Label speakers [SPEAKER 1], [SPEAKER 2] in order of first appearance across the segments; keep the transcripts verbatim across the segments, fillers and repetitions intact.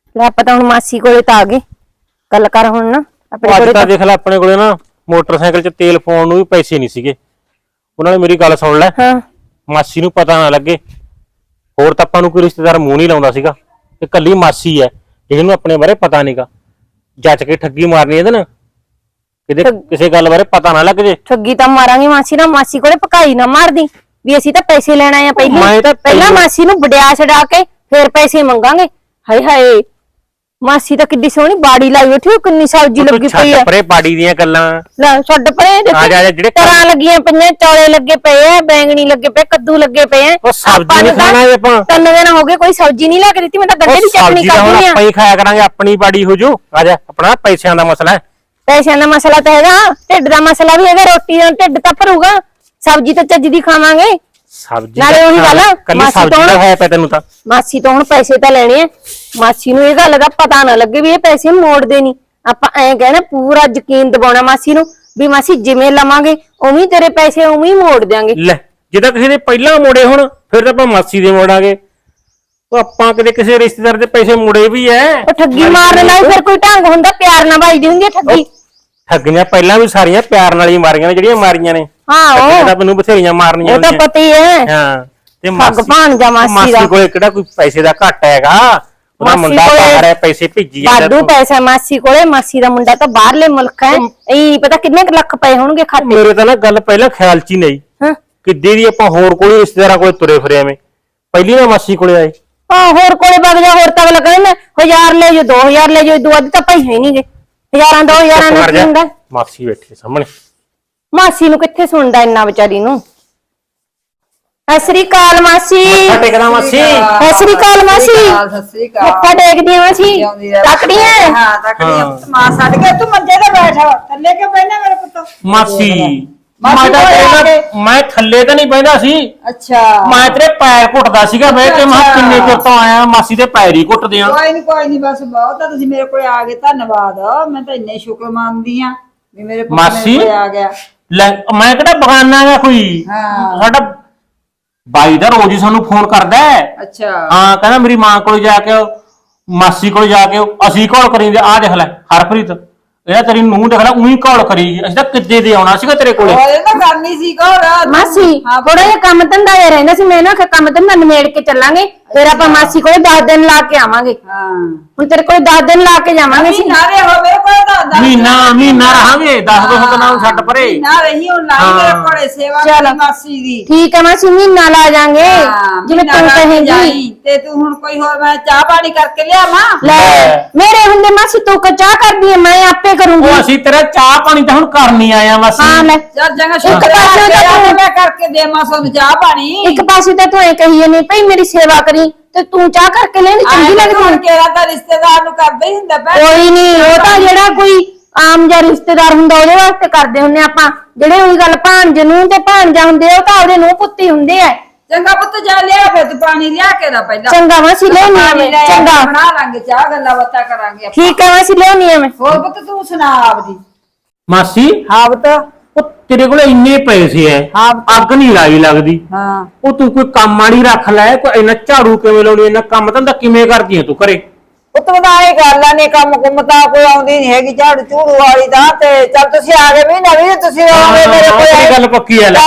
[SPEAKER 1] ਲੈ ਆਪਾਂ ਤਾਂ ਹੁਣ ਮਾਸੀ ਕੋਲੇ ਤਾਂ ਆ ਗਏ ਗੱਲ ਕਰ ਹੁਣ ਨਾ
[SPEAKER 2] ਆਪਣੇ ਕੋਲੇ ਤਾਂ ਦੇਖ ਲੈ ਆਪਣੇ ਕੋਲੇ ਨਾ ਮੋਟਰਸਾਈਕਲ 'ਚ ਤੇਲ ਪਾਉਣ ਨੂੰ ਵੀ ਪੈਸੇ ਨਹੀਂ ਸੀਗੇ ਉਹਨਾਂ ਨੇ ਮੇਰੀ ਗੱਲ ਸੁਣ ਲੈ
[SPEAKER 1] ਹਾਂ
[SPEAKER 2] ਮਾਸੀ ਨੂੰ ਪਤਾ ਨਾ ਲੱਗੇ ਹੋਰ ਤਾਂ ਆਪਾਂ ਨੂੰ ਕੋਈ ਰਿਸ਼ਤੇਦਾਰ ਮੂੰਹ ਨਹੀਂ ਲਾਉਂਦਾ ਸੀਗਾ ਤੇ ਕੱਲੀ ਮਾਸੀ ਹੈ ਜਿਹਨੂੰ ਆਪਣੇ ਬਾਰੇ ਪਤਾ ਨਹੀਂਗਾ ਜੱਜ ਕੇ ਠੱਗੀ ਮਾਰਨੀ ਇਹਦੇ ਨਾ ਕਿਤੇ ਕਿਸੇ ਗੱਲ ਬਾਰੇ ਪਤਾ ਨਾ ਲੱਗ ਜੇ
[SPEAKER 1] ਠੱਗੀ ਤਾਂ ਮਾਰਾਂਗੇ ਮਾਸੀ ਨਾਲ ਮਾਸੀ ਕੋਲੇ ਪਕਾਈ ਨਾ ਮਾਰਦੀ ਵੀ ਅਸੀਂ ਤਾਂ ਪੈਸੇ ਲੈਣ ਆਏ ਆ ਪਹਿਲਾਂ ਪਹਿਲਾਂ ਮਾਸੀ ਨੂੰ ਵਡਿਆ ਛਡਾ ਕੇ ਫਿਰ ਪੈਸੇ ਮੰਗਾਂਗੇ ਹਾਏ ਹਾਏ ਮਾਸੀ ਤਾਂ ਕਿੱਡੀ ਸੋਹਣੀ ਬਾੜੀ ਲਾਈ ਬੈਠੀ ਉਹ ਕਿੰਨੀ ਸਬਜ਼ੀ ਲੱਗੀ ਪਈ ਆ
[SPEAKER 2] ਪਰੇ ਬਾੜੀ ਦੀਆਂ ਗੱਲਾਂ
[SPEAKER 1] ਲੈ ਛੱਡ ਪਰੇ ਜਿਹੜੇ ਤਰਾਂ ਲੱਗੀਆਂ ਪਈਆਂ ਚੌਲੇ ਲੱਗੇ ਪਏ ਆ ਬੈਂਗਣੀ ਲੱਗੇ ਪਏ ਕੱਦੂ ਲੱਗੇ ਪਏ ਆ
[SPEAKER 2] ਉਹ ਸਬਜ਼ੀ ਨਹੀਂ ਖਾਣਾ ਆਪਾਂ
[SPEAKER 1] ਤਿੰਨ ਦਿਨ ਹੋ ਗਏ ਕੋਈ ਸਬਜ਼ੀ ਨਹੀਂ ਲੈ ਕੇ ਦਿੱਤੀ ਮੈਂ ਤਾਂ ਗੰਢੇ ਦੀ ਚਟਣੀ ਕਰਦੀ ਆ
[SPEAKER 2] ਆਪਾਂ ਹੀ ਖਾਇਆ ਕਰਾਂਗੇ ਆਪਣੀ ਬਾੜੀ ਹੋ ਜੂ ਆ ਜਾ ਆਪਣਾ ਪੈਸਿਆਂ ਦਾ ਮਸਲਾ ਹੈ
[SPEAKER 1] ਪੈਸਿਆਂ ਦਾ ਮਸਲਾ ਤਾਂ ਹੈਗਾ ਢਿੱਡ ਦਾ ਮਸਲਾ ਵੀ ਹੈਗਾ ਰੋਟੀ ਦਾ ਢਿੱਡ ਤਾਂ ਭਰੂਗਾ ਸਬਜ਼ੀ ਤਾਂ ਚੱਜ ਦੀ ਖਾਵਾਂਗੇ
[SPEAKER 2] ਸਬਜ਼ੀ
[SPEAKER 1] ਨਾਲੇ ਉਹੀ ਗੱਲ
[SPEAKER 2] ਮਾਸੀ ਤੋਂ ਹੈ ਪੈ ਤੈਨੂੰ ਤਾਂ
[SPEAKER 1] ਮਾਸੀ ਤੋਂ ਹੁਣ ਪੈਸੇ ਤਾਂ ਲੈਣੇ ਆ ਮਾਸੀ ਨੂੰ ਇਹ ਗੱਲ ਦਾ ਪਤਾ ਨਾ ਲੱਗੇ ਵੀ ਇਹ ਪੈਸੇ ਮੋੜਦੇ ਨਹੀਂ ਆਪਾਂ ਐਂ ਕਹਿਣਾ ਪੂਰਾ ਯਕੀਨ ਦਿਵਾਉਣਾ ਮਾਸੀ ਨੂੰ ਵੀ ਮਾਸੀ ਜਿਵੇਂ ਲਵਾਂਗੇ ਉਵੇਂ ਤੇਰੇ ਪੈਸੇ ਉਵੇਂ ਹੀ ਮੋੜ ਦਿਆਂਗੇ
[SPEAKER 2] ਲੈ ਜੇ ਤਾਂ ਕਿਸੇ ਦੇ ਪਹਿਲਾਂ ਮੋੜੇ ਹੁਣ ਫਿਰ ਤਾਂ ਆਪਾਂ ਮਾਸੀ ਦੇ ਮੋੜਾਂਗੇ ਉਹ ਆਪਾਂ ਕਦੇ ਕਿਸੇ ਰਿਸ਼ਤੇਦਾਰ ਦੇ ਪੈਸੇ ਮੋੜੇ ਵੀ ਐ
[SPEAKER 1] ਉਹ ਠੱਗੀ ਮਾਰਨ ਨਾਲ ਫਿਰ ਕੋਈ ਢੰਗ ਹੁੰਦਾ ਪਿਆਰ ਨਾਲ ਵੱਜਦੀ ਹੁੰਦੀ ਹੈ ਠੱਗੀ
[SPEAKER 2] ਠੱਗੀਆਂ ਪਹਿਲਾਂ ਵੀ ਸਾਰੀਆਂ ਪਿਆਰ ਨਾਲ ਹੀ ਮਾਰੀਆਂ ਨੇ ਜਿਹੜੀਆਂ ਮਾਰੀਆਂ ਨੇ
[SPEAKER 1] ਹਾਂ ਉਹ
[SPEAKER 2] ਤਾਂ ਮੈਨੂੰ ਬਥੇਰੀਆਂ ਮਾਰਨੀਆਂ
[SPEAKER 1] ਉਹ ਤਾਂ ਪਤਾ ਹੀ ਹੈ
[SPEAKER 2] ਹਾਂ ਤੇ
[SPEAKER 1] ਭਗਵਾਨ ਦਾ ਮਾਸੀ ਦਾ
[SPEAKER 2] ਮਾਸੀ ਕੋਲੇ ਕਿਹੜਾ ਕੋਈ ਪੈਸੇ ਦਾ ਘਾਟਾ ਹੈਗਾ ਉਹਦਾ ਮੁੰਡਾ ਬਾਹਰ ਹੈ ਪੈਸੇ ਭੇਜੀ ਜਾਂਦਾ
[SPEAKER 1] ਬਾਦੂ ਪੈਸਾ ਮਾਸੀ ਕੋਲੇ ਮਾਸੀ ਦਾ ਮੁੰਡਾ ਤਾਂ ਬਾਹਰਲੇ ਮੁਲਕ ਹੈ ਇਹ ਪਤਾ ਕਿੰਨੇ ਲੱਖ ਪਏ ਹੋਣਗੇ ਖਾਤੇ
[SPEAKER 2] ਮੇਰੇ ਤਾਂ ਨਾ ਗੱਲ ਪਹਿਲਾਂ ਖਿਆਲ ਚ ਹੀ ਨਹੀਂ
[SPEAKER 1] ਹਾਂ
[SPEAKER 2] ਕਿੱਦੀ ਦੀ ਆਪਾਂ ਹੋਰ ਕੋਈ ਰਿਸ਼ਤੇਦਾਰਾਂ ਕੋਲੇ ਤੁਰੇ ਫਿਰੇ ਐਵੇਂ ਪਹਿਲੀ ਨਾ ਮਾਸੀ ਕੋਲੇ ਆਏ
[SPEAKER 1] ਹਾਂ ਹੋਰ ਕੋਲੇ ਵਗ ਜਾ ਹੋਰ ਤਾਂ ਅਗਲਾ ਕਹਿੰਦਾ ਹਜ਼ਾਰ ਲੈ ਜੋ ਦੋ ਹਜ਼ਾਰ ਲੈ ਜੋ ਦੋ ਅੱਧ ਤਾਂ ਪੈਸੇ ਹੀ ਨਹੀਂਗੇ ਹਜ਼ਾਰਾਂ ਦੋ ਹਜ਼ਾਰਾਂ ਨਾਲ ਕੀ ਹੁੰਦਾ
[SPEAKER 2] ਮਾਸੀ ਬੈਠੀ ਸਾਹਮਣੇ
[SPEAKER 1] ਮਾਸੀ ਨੂੰ ਕਿੱਥੇ ਸੁਣਦਾ ਇੰਨਾ ਵਿਚਾਰੀ ਨੂੰ ਸਤਿ ਸ੍ਰੀ ਅਕਾਲ ਮਾਸੀ
[SPEAKER 2] ਮੱਥਾ ਟੇਕਦਾ ਮਾਸੀ
[SPEAKER 1] ਸਤਿ ਸ੍ਰੀ ਅਕਾਲ ਮਾਸੀ
[SPEAKER 3] ਸਤਿ ਸ੍ਰੀ ਅਕਾਲ
[SPEAKER 1] ਮੱਥਾ ਟੇਕਦੀ ਆ ਮਾਸੀ ਤੱਕੜੀਆਂ
[SPEAKER 3] ਹਾਂ ਤੱਕੜੀਆਂ ਮਾਂ ਛੱਡ ਕੇ ਤੂੰ ਮੰਜੇ ਤੇ ਬੈਠ ਥੱਲੇ ਕਿਉਂ ਬੈਠਾ ਮੇਰੇ ਪੁੱਤ
[SPEAKER 2] ਮਾਸੀ ਮੈਂ ਤਾਂ ਤੇਰੇ ਮੈਂ ਥੱਲੇ ਤਾਂ ਨਹੀਂ ਬੈਠਾ ਸੀ
[SPEAKER 3] ਅੱਛਾ
[SPEAKER 2] ਮੈਂ ਤੇਰੇ ਪੈਰ ਘੁੱਟਦਾ ਸੀਗਾ ਬੈ ਕੇ ਮੈਂ ਕਿੰਨੇ ਚਿਰ ਤੋਂ ਆਇਆ ਮਾਸੀ ਦੇ ਪੈਰ ਹੀ ਘੁੱਟਦੇ ਆ
[SPEAKER 3] ਕੋਈ ਨਹੀਂ ਕੋਈ ਨਹੀਂ ਬਸ ਬਹੁਤ ਆ ਤੁਸੀਂ ਮੇਰੇ ਕੋਲ ਆ ਗਏ ਧੰਨਵਾਦ ਮੈਂ ਤਾਂ ਇੰਨੇ ਸ਼ੁਕਰ ਮੰਨਦੀ ਆ ਵੀ ਮੇਰੇ ਪੁੱਤ ਮੇਰੇ ਕੋਲ ਆ ਗਿਆ
[SPEAKER 2] ਲੈ ਮੈਂ ਕਿਹੜਾ ਬਗਾਨਾ ਹੈਗਾ ਕੋਈ
[SPEAKER 3] ਹਾਂ
[SPEAKER 2] ਸਾਡਾ ਬਾਈ ਦਾ ਰੋਜ਼ ਹੀ ਸਾਨੂੰ ਫੋਨ ਕਰਦਾ
[SPEAKER 3] ਅੱਛਾ
[SPEAKER 2] ਹਾਂ ਕਹਿੰਦਾ ਮੇਰੀ ਮਾਂ ਕੋਲ ਜਾ ਕੇ ਮਾਸੀ ਕੋਲ ਜਾ ਕੇ ਅਸੀਂ ਕਾਲ ਕਰੀਂਦੇ ਆ ਦੇਖ ਲੈ ਹਰਪ੍ਰੀਤ ਇਹ ਤੇਰੀ ਨੂੰਹ ਦੇਖ ਲੈ ਉਹੀ ਕਾਲ ਕਰੀ ਅਸੀਂ ਤਾਂ ਕਿੱਦੇ ਦੇ ਆਉਣਾ ਸੀਗਾ ਤੇਰੇ ਕੋਲੇ
[SPEAKER 3] ਉਹ ਤਾਂ ਕਰਨੀ ਸੀ ਕਾਲ
[SPEAKER 1] ਮਾਸੀ ਥੋੜਾ ਜਿਹਾ ਕੰਮ ਧੰਦਾ ਜਿਹਾ ਰਹਿੰਦਾ ਸੀ ਮੈਂ ਨਾ ਕੰਮ ਧੰਦਾ ਨਿਮੇੜ ਕੇ ਚੱਲਾਂਗੇ ਫਿਰ ਆਪਾਂ ਮਾਸੀ ਕੋਲੇ ਦਸ ਦਿਨ ਲਾ ਕੇ ਆਵਾਂਗੇ
[SPEAKER 3] ਹਾਂ
[SPEAKER 1] ਹੁਣ ਤੇਰੇ ਕੋਲੇ ਦਸ ਦਿਨ ਲਾ ਕੇ ਜਾਵਾਂਗੇ
[SPEAKER 3] ਅਸੀਂ ਨਾਰੇ ਹੋ ਮੇਰੇ ਕੋਲ ਤਾਂ
[SPEAKER 2] ਮਹੀਨਾ ਮਹੀਨਾ ਰਹਾਂਗੇ ਦਸ ਦੋ ਦਿਨਾਂ ਨੂੰ ਛੱਡ ਪਰੇ
[SPEAKER 3] ਨਾ ਰਹੀ ਹੁਣ ਲਾਈ ਮੇਰੇ ਕੋਲੇ ਸੇਵਾ ਕਰੀ ਮਾਸੀ ਦੀ
[SPEAKER 1] ਠੀਕ ਹੈ ਮਾਸੀ ਮਹੀਨਾ ਲਾ ਜਾਾਂਗੇ ਜਿਵੇਂ ਤੂੰ ਕਹੇਂਗੀ
[SPEAKER 3] ਤੇ ਤੂੰ ਹੁਣ ਕੋਈ ਹੋਰ ਮੈਂ ਚਾਹ ਪਾਣੀ ਕਰਕੇ ਲਿਆਵਾਂ
[SPEAKER 1] ਲੈ ਮੇਰੇ ਹੁੰਦੇ ਮਾਸੀ ਤੂੰ ਕ ਚਾਹ ਕਰਦੀ ਹੈ ਮੈਂ ਆਪੇ ਕਰੂੰਗੀ
[SPEAKER 2] ਉਹ ਅਸੀਂ ਤੇਰਾ ਚਾਹ ਪਾਣੀ ਤਾਂ ਹੁਣ ਕਰਨੀ ਆਇਆ ਮਾਸੀ
[SPEAKER 1] ਹਾਂ ਲੈ
[SPEAKER 3] ਚੱਲ ਜੰਗਾ ਸ਼ੁਕਰ ਮੈਂ ਕਰਕੇ ਦੇਵਾਂ ਸਾਨੂੰ ਚਾਹ ਪਾਣੀ
[SPEAKER 1] ਇੱਕ ਪਾਸੇ ਤਾਂ ਤੂੰ ਇਹ ਕਹੀ ਨਹੀਂ ਭਈ ਮੇਰੀ ਸੇਵਾ ਕਰੀ ਤੇ ਤੂੰ ਚਾਹ ਕਰਕੇ ਲੈਣੀ ਚੰਗੀ ਲੱਗਦੀ
[SPEAKER 3] ਹੁਣ ਕਿਹੜਾ ਤਾਂ ਰਿਸ਼ਤੇਦਾਰ ਨੂੰ ਕਰਦਾ ਹੀ ਹੁੰਦਾ ਭੈਣ
[SPEAKER 1] ਕੋਈ ਨਹੀਂ ਉਹ ਤਾਂ ਜਿਹੜਾ ਕੋਈ ਆਮ ਜਿਹਾ ਰਿਸ਼ਤੇਦਾਰ ਹੁੰਦਾ ਉਹਦੇ ਵਾਸਤੇ ਕਰਦੇ ਹੁੰਨੇ ਆਪਾਂ ਜਿਹੜੇ ਉਹੀ ਗੱਲ ਭਾਂਜ ਨੂੰ ਤੇ ਭਾਂਜਾ ਹੁੰਦੇ ਉਹ ਤਾਂ ਉਹਦੇ ਨੂੰ ਪੁੱਤੀ ਹੁੰਦੇ ਆ
[SPEAKER 3] ਚੰਗਾ ਪੁੱਤ ਜਾ ਲਿਆ ਫੇ ਤੂੰ ਪਾਣੀ ਲਿਆ ਕੇ ਦਾ ਪਹਿਲਾਂ
[SPEAKER 1] ਚੰਗਾ ਮਾਸੀ ਲਿਆਉਣੀ ਆ ਮੈਂ ਚੰਗਾ
[SPEAKER 3] ਬਣਾ ਲਾਂਗੇ ਚਾਹ ਗੱਲਾਂ ਬਾਤਾਂ ਕਰਾਂਗੇ ਆਪਾਂ
[SPEAKER 1] ਠੀਕ ਹੈ ਮਾਸੀ ਲਿਆਉਣੀ ਆ ਮੈਂ
[SPEAKER 3] ਹੋਰ ਪੁੱਤ ਤੂੰ ਸੁਣਾ ਆਪਦੀ
[SPEAKER 2] ਮਾਸੀ
[SPEAKER 3] ਹਾਂ ਪੁੱਤ
[SPEAKER 2] ਉਹ ਤੇਰੇ ਕੋਲ ਇੰਨੇ ਪੈਸੇ ਐ
[SPEAKER 3] ਹਾਂ
[SPEAKER 2] ਅੱਗ ਨਹੀਂ ਲਾਈ ਲੱਗਦੀ
[SPEAKER 3] ਹਾਂ
[SPEAKER 2] ਉਹ ਤੂੰ ਕੋਈ ਕੰਮ ਵਾਲੀ ਰੱਖ ਲੈ ਕੋਈ ਇੰਨਾ ਝਾੜੂ ਕਿਵੇਂ ਲਾਉਣੀ ਇੰਨਾ ਕੰਮ ਧੰਦਾ ਕਿਵੇਂ ਕਰਦੀ ਐ ਤੂੰ ਘਰੇ
[SPEAKER 3] ਪੁੱਤ ਬਣਾਏ ਗੱਲ ਆ ਨੇ ਕੰਮ ਕੁੰਮ ਤਾਂ ਕੋਈ ਆਉਂਦੀ ਨਹੀਂ ਹੈਗੀ ਝਾੜੂ ਝੂੜੂ ਵਾਲੀ ਦਾ ਤੇ ਚੱਲ ਤੁਸੀਂ ਆ ਗਏ ਵੀ ਨਵੀਂ ਤੁਸੀਂ ਆਓਗੇ ਮੇਰੇ ਕੋਲ
[SPEAKER 2] ਇਹ ਗੱਲ ਪੱਕੀ ਐ ਲੈ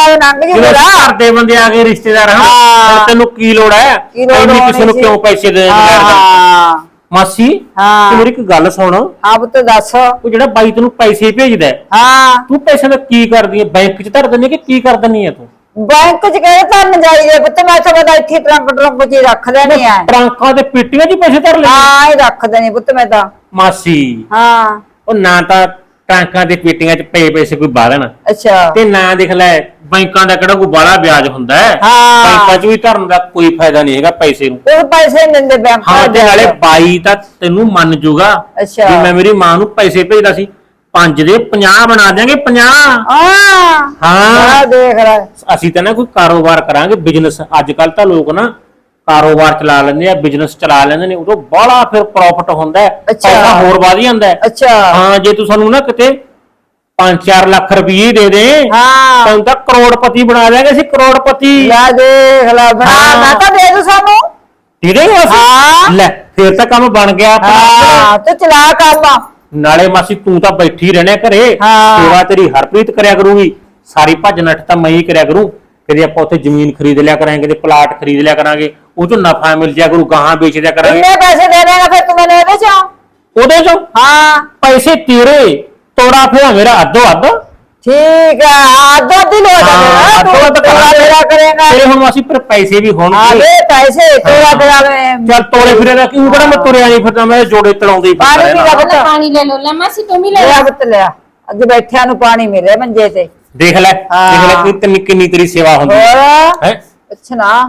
[SPEAKER 2] ਘਰ ਦੇ ਬੰਦੇ ਆ ਗਏ ਰਿਸ਼ਤੇਦਾਰ ਹਾਂ ਤੈਨੂੰ ਕੀ ਲੋੜ ਐ ਇੰਨੀ ਕਿਸੇ ਨੂੰ ਕਿਉਂ ਪੈਸੇ ਦੇ
[SPEAKER 3] ਹਾਂ
[SPEAKER 2] ਮਾਸੀ ਤੂੰ ਮੇਰੀ ਇੱਕ ਗੱਲ ਸੁਣ
[SPEAKER 3] ਹਾਂ ਪੁੱਤ ਦੱਸ
[SPEAKER 2] ਉਹ ਜਿਹੜਾ ਬਾਈ ਤੈਨੂੰ ਪੈਸੇ ਭੇਜਦਾ
[SPEAKER 3] ਹਾਂ
[SPEAKER 2] ਤੂੰ ਪੈਸੇ ਦਾ ਕੀ ਕਰਦੀ ਐ ਬੈਂਕ 'ਚ ਧਰ ਦਿੰਦੀ ਕਿ ਕੀ ਕਰ ਦਿੰਦੀ ਐ ਤੂੰ
[SPEAKER 3] ਬੈਂਕ 'ਚ ਕਿਹੜੇ ਧਰਨ ਜਾਈਏ ਪੁੱਤ ਮੈਂ ਤਾਂ ਬਦਾ ਇੱਥੇ ਟਰੰਕ ਟਰੰਕ 'ਚ ਰੱਖ ਲੈਣੀ ਆ
[SPEAKER 2] ਟਰੰਕਾਂ ਤੇ ਪੇਟੀਆਂ 'ਚ ਪੈਸੇ ਧਰ ਲੈ
[SPEAKER 3] ਹਾਂ ਇਹ ਰੱਖ ਦੇਣੀ ਪੁੱਤ ਮੈਂ ਤਾਂ
[SPEAKER 2] ਮਾਸੀ
[SPEAKER 3] ਹਾਂ
[SPEAKER 2] ਉਹ ਨਾ ਤਾਂ ਟਰੰਕਾਂ ਤੇ ਪੇਟੀਆਂ 'ਚ ਪਏ ਪੈਸੇ ਕੋਈ ਬਾਲਣ
[SPEAKER 3] ਅੱਛਾ
[SPEAKER 2] ਤੇ ਨਾ ਦੇਖ ਲੈ ਬੈਂਕਾਂ ਦਾ ਕਿਹੜਾ ਕੋਈ ਬਾਲਾ ਵਿਆਜ ਹੁੰਦਾ ਹੈ
[SPEAKER 3] ਹਾਂ
[SPEAKER 2] ਬੈਂਕਾਂ 'ਚ ਵੀ ਧਰਨ ਦਾ ਕੋਈ ਫਾਇਦਾ ਨਹੀਂ ਹੈਗਾ ਪੈਸੇ ਨੂੰ
[SPEAKER 3] ਉਹ ਪੈਸੇ ਨਹੀਂ ਦਿੰਦੇ ਬੈਂਕ
[SPEAKER 2] ਹਾਂ ਤੇ ਨਾਲੇ ਬਾਈ ਤਾਂ ਤੈਨੂੰ ਮੰਨ ਜੂਗਾ
[SPEAKER 3] ਅੱਛਾ
[SPEAKER 2] ਵੀ ਮੈਂ ਮੇਰੀ ਮਾਂ ਨੂੰ ਪੈਸੇ ਭੇਜਦਾ ਸੀ ਪੰਜ ਦੇ ਪੰਜਾਹ ਬਣਾ ਦਿਆਂਗੇ ਪੰਜਾਹ
[SPEAKER 3] ਹਾਂ
[SPEAKER 2] ਹਾਂ
[SPEAKER 3] ਦੇਖ ਲੈ
[SPEAKER 2] ਅਸੀਂ ਤਾਂ ਨਾ ਕੋਈ ਕਾਰੋਬਾਰ ਕਰਾਂਗੇ ਬਿਜ਼ਨਸ ਅੱਜ ਕੱਲ ਤਾਂ ਲੋਕ ਨਾ ਕਾਰੋਬਾਰ ਚਲਾ ਲੈਂਦੇ ਆ ਬਿਜ਼ਨਸ ਚਲਾ ਲੈਂਦੇ ਨੇ ਉਦੋਂ ਬੜਾ ਫਿਰ ਪ੍ਰੋਫਿਟ ਹੁੰਦਾ ਹੈ ਪੈਸਾ ਹੋਰ ਵਧ ਜਾਂਦਾ ਹੈ
[SPEAKER 3] ਅੱਛਾ
[SPEAKER 2] ਹਾਂ ਜੇ ਤੂੰ ਸਾਨੂੰ ਨਾ ਕਿਤੇ ਪੰਜ ਚਾਰ ਲੱਖ ਰੁਪਏ ਦੇ ਦੇ
[SPEAKER 3] ਹਾਂ
[SPEAKER 2] ਤੈਨੂੰ ਤਾਂ ਕਰੋੜਪਤੀ ਬਣਾ ਦਿਆਂਗੇ ਅਸੀਂ ਕਰੋੜਪਤੀ
[SPEAKER 3] ਲੈ ਦੇਖ ਲੈ ਬਣਾ ਮੈਂ ਤਾਂ ਦੇ ਦੂ ਸਾਨੂੰ
[SPEAKER 2] ਤੇਰੇ ਹੀ ਮਾਸੀ
[SPEAKER 3] ਹਾਂ।
[SPEAKER 2] ਲੈ ਫੇਰ ਤਾਂ ਕੰਮ ਬਣ ਗਿਆ ਆਪਣਾ।
[SPEAKER 3] ਹਾਂ ਤੂੰ ਚਲਾ ਕੰਮ।
[SPEAKER 2] ਨਾਲੇ ਮਾਸੀ ਤੂੰ ਤਾਂ ਬੈਠੀ ਰਹਿਣਾ ਘਰੇ,
[SPEAKER 3] ਹਾਂ।
[SPEAKER 2] ਸੇਵਾ ਤੇਰੀ ਹਰਪ੍ਰੀਤ ਕਰਿਆ ਕਰੂਗੀ, ਸਾਰੀ ਭੱਜ ਨੱਠ ਤਾਂ ਮੈਂ ਹੀ ਕਰਿਆ ਕਰੂੰ। ਕਦੇ ਆਪਾਂ ਉੱਥੇ ਜ਼ਮੀਨ ਖਰੀਦ ਲਿਆ ਕਰਾਂਗੇ, ਕਦੇ ਪਲਾਟ ਖਰੀਦ ਲਿਆ ਕਰਾਂਗੇ, ਉਹ ਚੋਂ ਨਫਾ ਮਿਲ ਜਾਇਆ ਕਰੂ, ਗਾਹਾਂ ਵੇਚ ਦਿਆ ਕਰਾਂਗੇ।
[SPEAKER 3] ਕਿੰਨੇ ਪੈਸੇ ਦੇ ਦੇਗਾ ਫਿਰ ਤੂੰ ਮੈਨੂੰ ਇਹਦੇ ਚੋਂ?
[SPEAKER 2] ਉਹਦੇ ਚੋਂ
[SPEAKER 3] ਹਾਂ
[SPEAKER 2] ਪੈਸੇ ਤੇਰੇ, ਤੋੜਾ ਫੇਰਾ ਮੇਰਾ ਅੱਧੋ ਅੱਧ।
[SPEAKER 3] ਠੀਕ ਆ, ਅੱਧੋ ਅੱਧੀ ਲੋੜ
[SPEAKER 2] ਹਾਂ,
[SPEAKER 3] ਹੈ
[SPEAKER 2] ਅੱਧੋ ਅੱਧ
[SPEAKER 3] ਤੂੰ ਤੋੜਾ ਫੇਰਾ ਕਰੇਗਾ।
[SPEAKER 2] ਤੇਰੇ ਹੁਣ ਮਾਸੀ ਪਰ ਪੈਸੇ ਵੀ ਹੋਣਗੇ।
[SPEAKER 3] ਆਵੇ ਪੈਸੇ ਤੋੜਾ ਫੇਰਾ ਵੇ।
[SPEAKER 2] ਚੱਲ ਤੋੜੇ ਫਿਰੇ ਦਾ ਕਿਉਂ ਕਿਹੜਾ ਮੈਂ ਤੁਰਿਆ ਨਹੀਂ ਫਿਰਦਾ, ਮੈਂ ਜੋੜੇ ਤੜਾਉਂਦੇ ਹੀ ਫਿਰਦਾ
[SPEAKER 3] ਪਾਣੀ
[SPEAKER 2] ਰਹਿਣਾ।
[SPEAKER 3] ਪੀ ਲੈ।
[SPEAKER 1] ਪਾਣੀ ਲੈ ਲਓ। ਲੈ ਮਾਸੀ ਤੂੰ ਵੀ ਲੈ
[SPEAKER 3] ਲਿਆ
[SPEAKER 1] ਲੈ।
[SPEAKER 3] ਪੁੱਤ ਲਿਆ, ਅੱਗੇ ਬੈਠਿਆਂ ਨੂੰ ਪਾਣੀ ਮਿਲੇ ਮੰਜੇ ਤੇ।
[SPEAKER 2] ਦੇਖ ਲੈ ਦੇਖ ਲੈ ਕਿ ਤੈਨੂੰ ਕਿੰਨੀ ਤੇਰੀ ਸੇਵਾ ਹੁੰਦੀ
[SPEAKER 3] ਹੋਰ
[SPEAKER 2] ਹੈ।
[SPEAKER 3] ਅੱਛਾ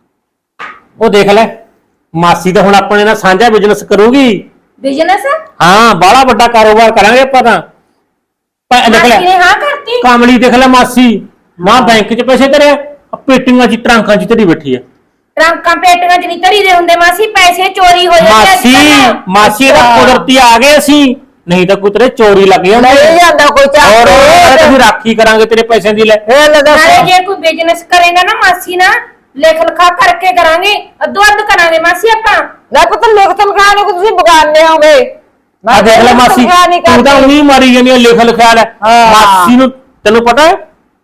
[SPEAKER 2] ਉਹ ਦੇਖ ਲੈ ਮਾਸੀ ਤਾਂ ਹੁਣ ਆਪਣੇ ਨਾਲ ਸਾਂਝਾ ਬਿਜ਼ਨਸ ਕਰੂਗੀ।
[SPEAKER 1] ਬਿਜ਼ਨਸ
[SPEAKER 2] ਹਾਂ ਬਾਹਲਾ ਵੱਡਾ ਕਾਰੋਬਾਰ ਕਰਾਂਗੇ ਆਪਾਂ ਤਾਂ। ਪੈ- ਦੇਖ ਲੈ
[SPEAKER 1] ਮਾਸੀ ਨੇ ਹਾਂ ਕਰਤੀ।
[SPEAKER 2] ਕਾਮਲੀ ਦੇਖ ਲੈ ਮਾਸੀ, ਮਾਂ ਬੈਂਕ 'ਚ ਪੈਸੇ ਧਰਿਆ, ਆਹ ਪੇਟੀਆਂ 'ਚ ਟਰੰਕਾਂ 'ਚ ਧਰੀ ਬੈਠੀ ਹੈ
[SPEAKER 1] ਟਰੰਕਾਂ ਪੇਟੀਆਂ ਚ ਨਹੀਂ ਧਰੀ ਦੇ ਹੁੰਦੇ ਮਾਸੀ, ਪੈਸੇ ਚੋਰੀ ਹੋ ਜਾਂਦੇ
[SPEAKER 2] ਮਾਸੀ। ਮਾਸੀ ਦਾ ਕੁਦਰਤੀ ਆ ਗਏ ਅਸੀਂ, ਨਹੀਂ ਤਾਂ ਕੋਈ ਤੇਰੇ ਚੋਰੀ ਲੱਗ ਜਾਂਦੀ।
[SPEAKER 3] ਨਹੀਂ ਜਾਂਦਾ ਕੋਈ
[SPEAKER 2] ਔਰ
[SPEAKER 3] ਚਾਹ
[SPEAKER 2] ਅਸੀਂ ਰਾਖੀ ਕਰਾਂਗੇ ਤੇਰੇ ਪੈਸਿਆਂ ਦੀ। ਲੈ
[SPEAKER 3] ਇਹ ਲੈ ਦੱਸ।
[SPEAKER 1] ਨਾਲੇ ਜੇ ਕੋਈ ਬਿਜ਼ਨਸ ਕਰੇਗਾ ਨਾ ਮਾਸੀ ਨਾ, ਲਿਖ ਲਿਖਾ ਕਰਕੇ ਕਰਾਂਗੇ, ਅੱਧੋ ਅੱਧ ਕਰਾਂਗੇ ਮਾਸੀ ਆਪਾਂ।
[SPEAKER 3] ਲੈ ਪੁੱਤ ਲਿਖ ਤਨਖਾਹ ਨੂੰ ਤੁਸੀਂ ਬਗਾਨੇ ਹੋਗੇ।
[SPEAKER 2] ਆ ਦੇਖ ਲੈ ਮਾਸੀ, ਤੂੰ ਤਾਂ ਉਹੀ ਮਾਰੀ ਜਾਂਦੀ ਆ ਲਿਖ ਲਿਖਿਆ ਲੈ।
[SPEAKER 3] ਹਾਂ।
[SPEAKER 2] ਮਾਸੀ ਨੂੰ ਤੈਨੂੰ ਪਤਾ ਹੈ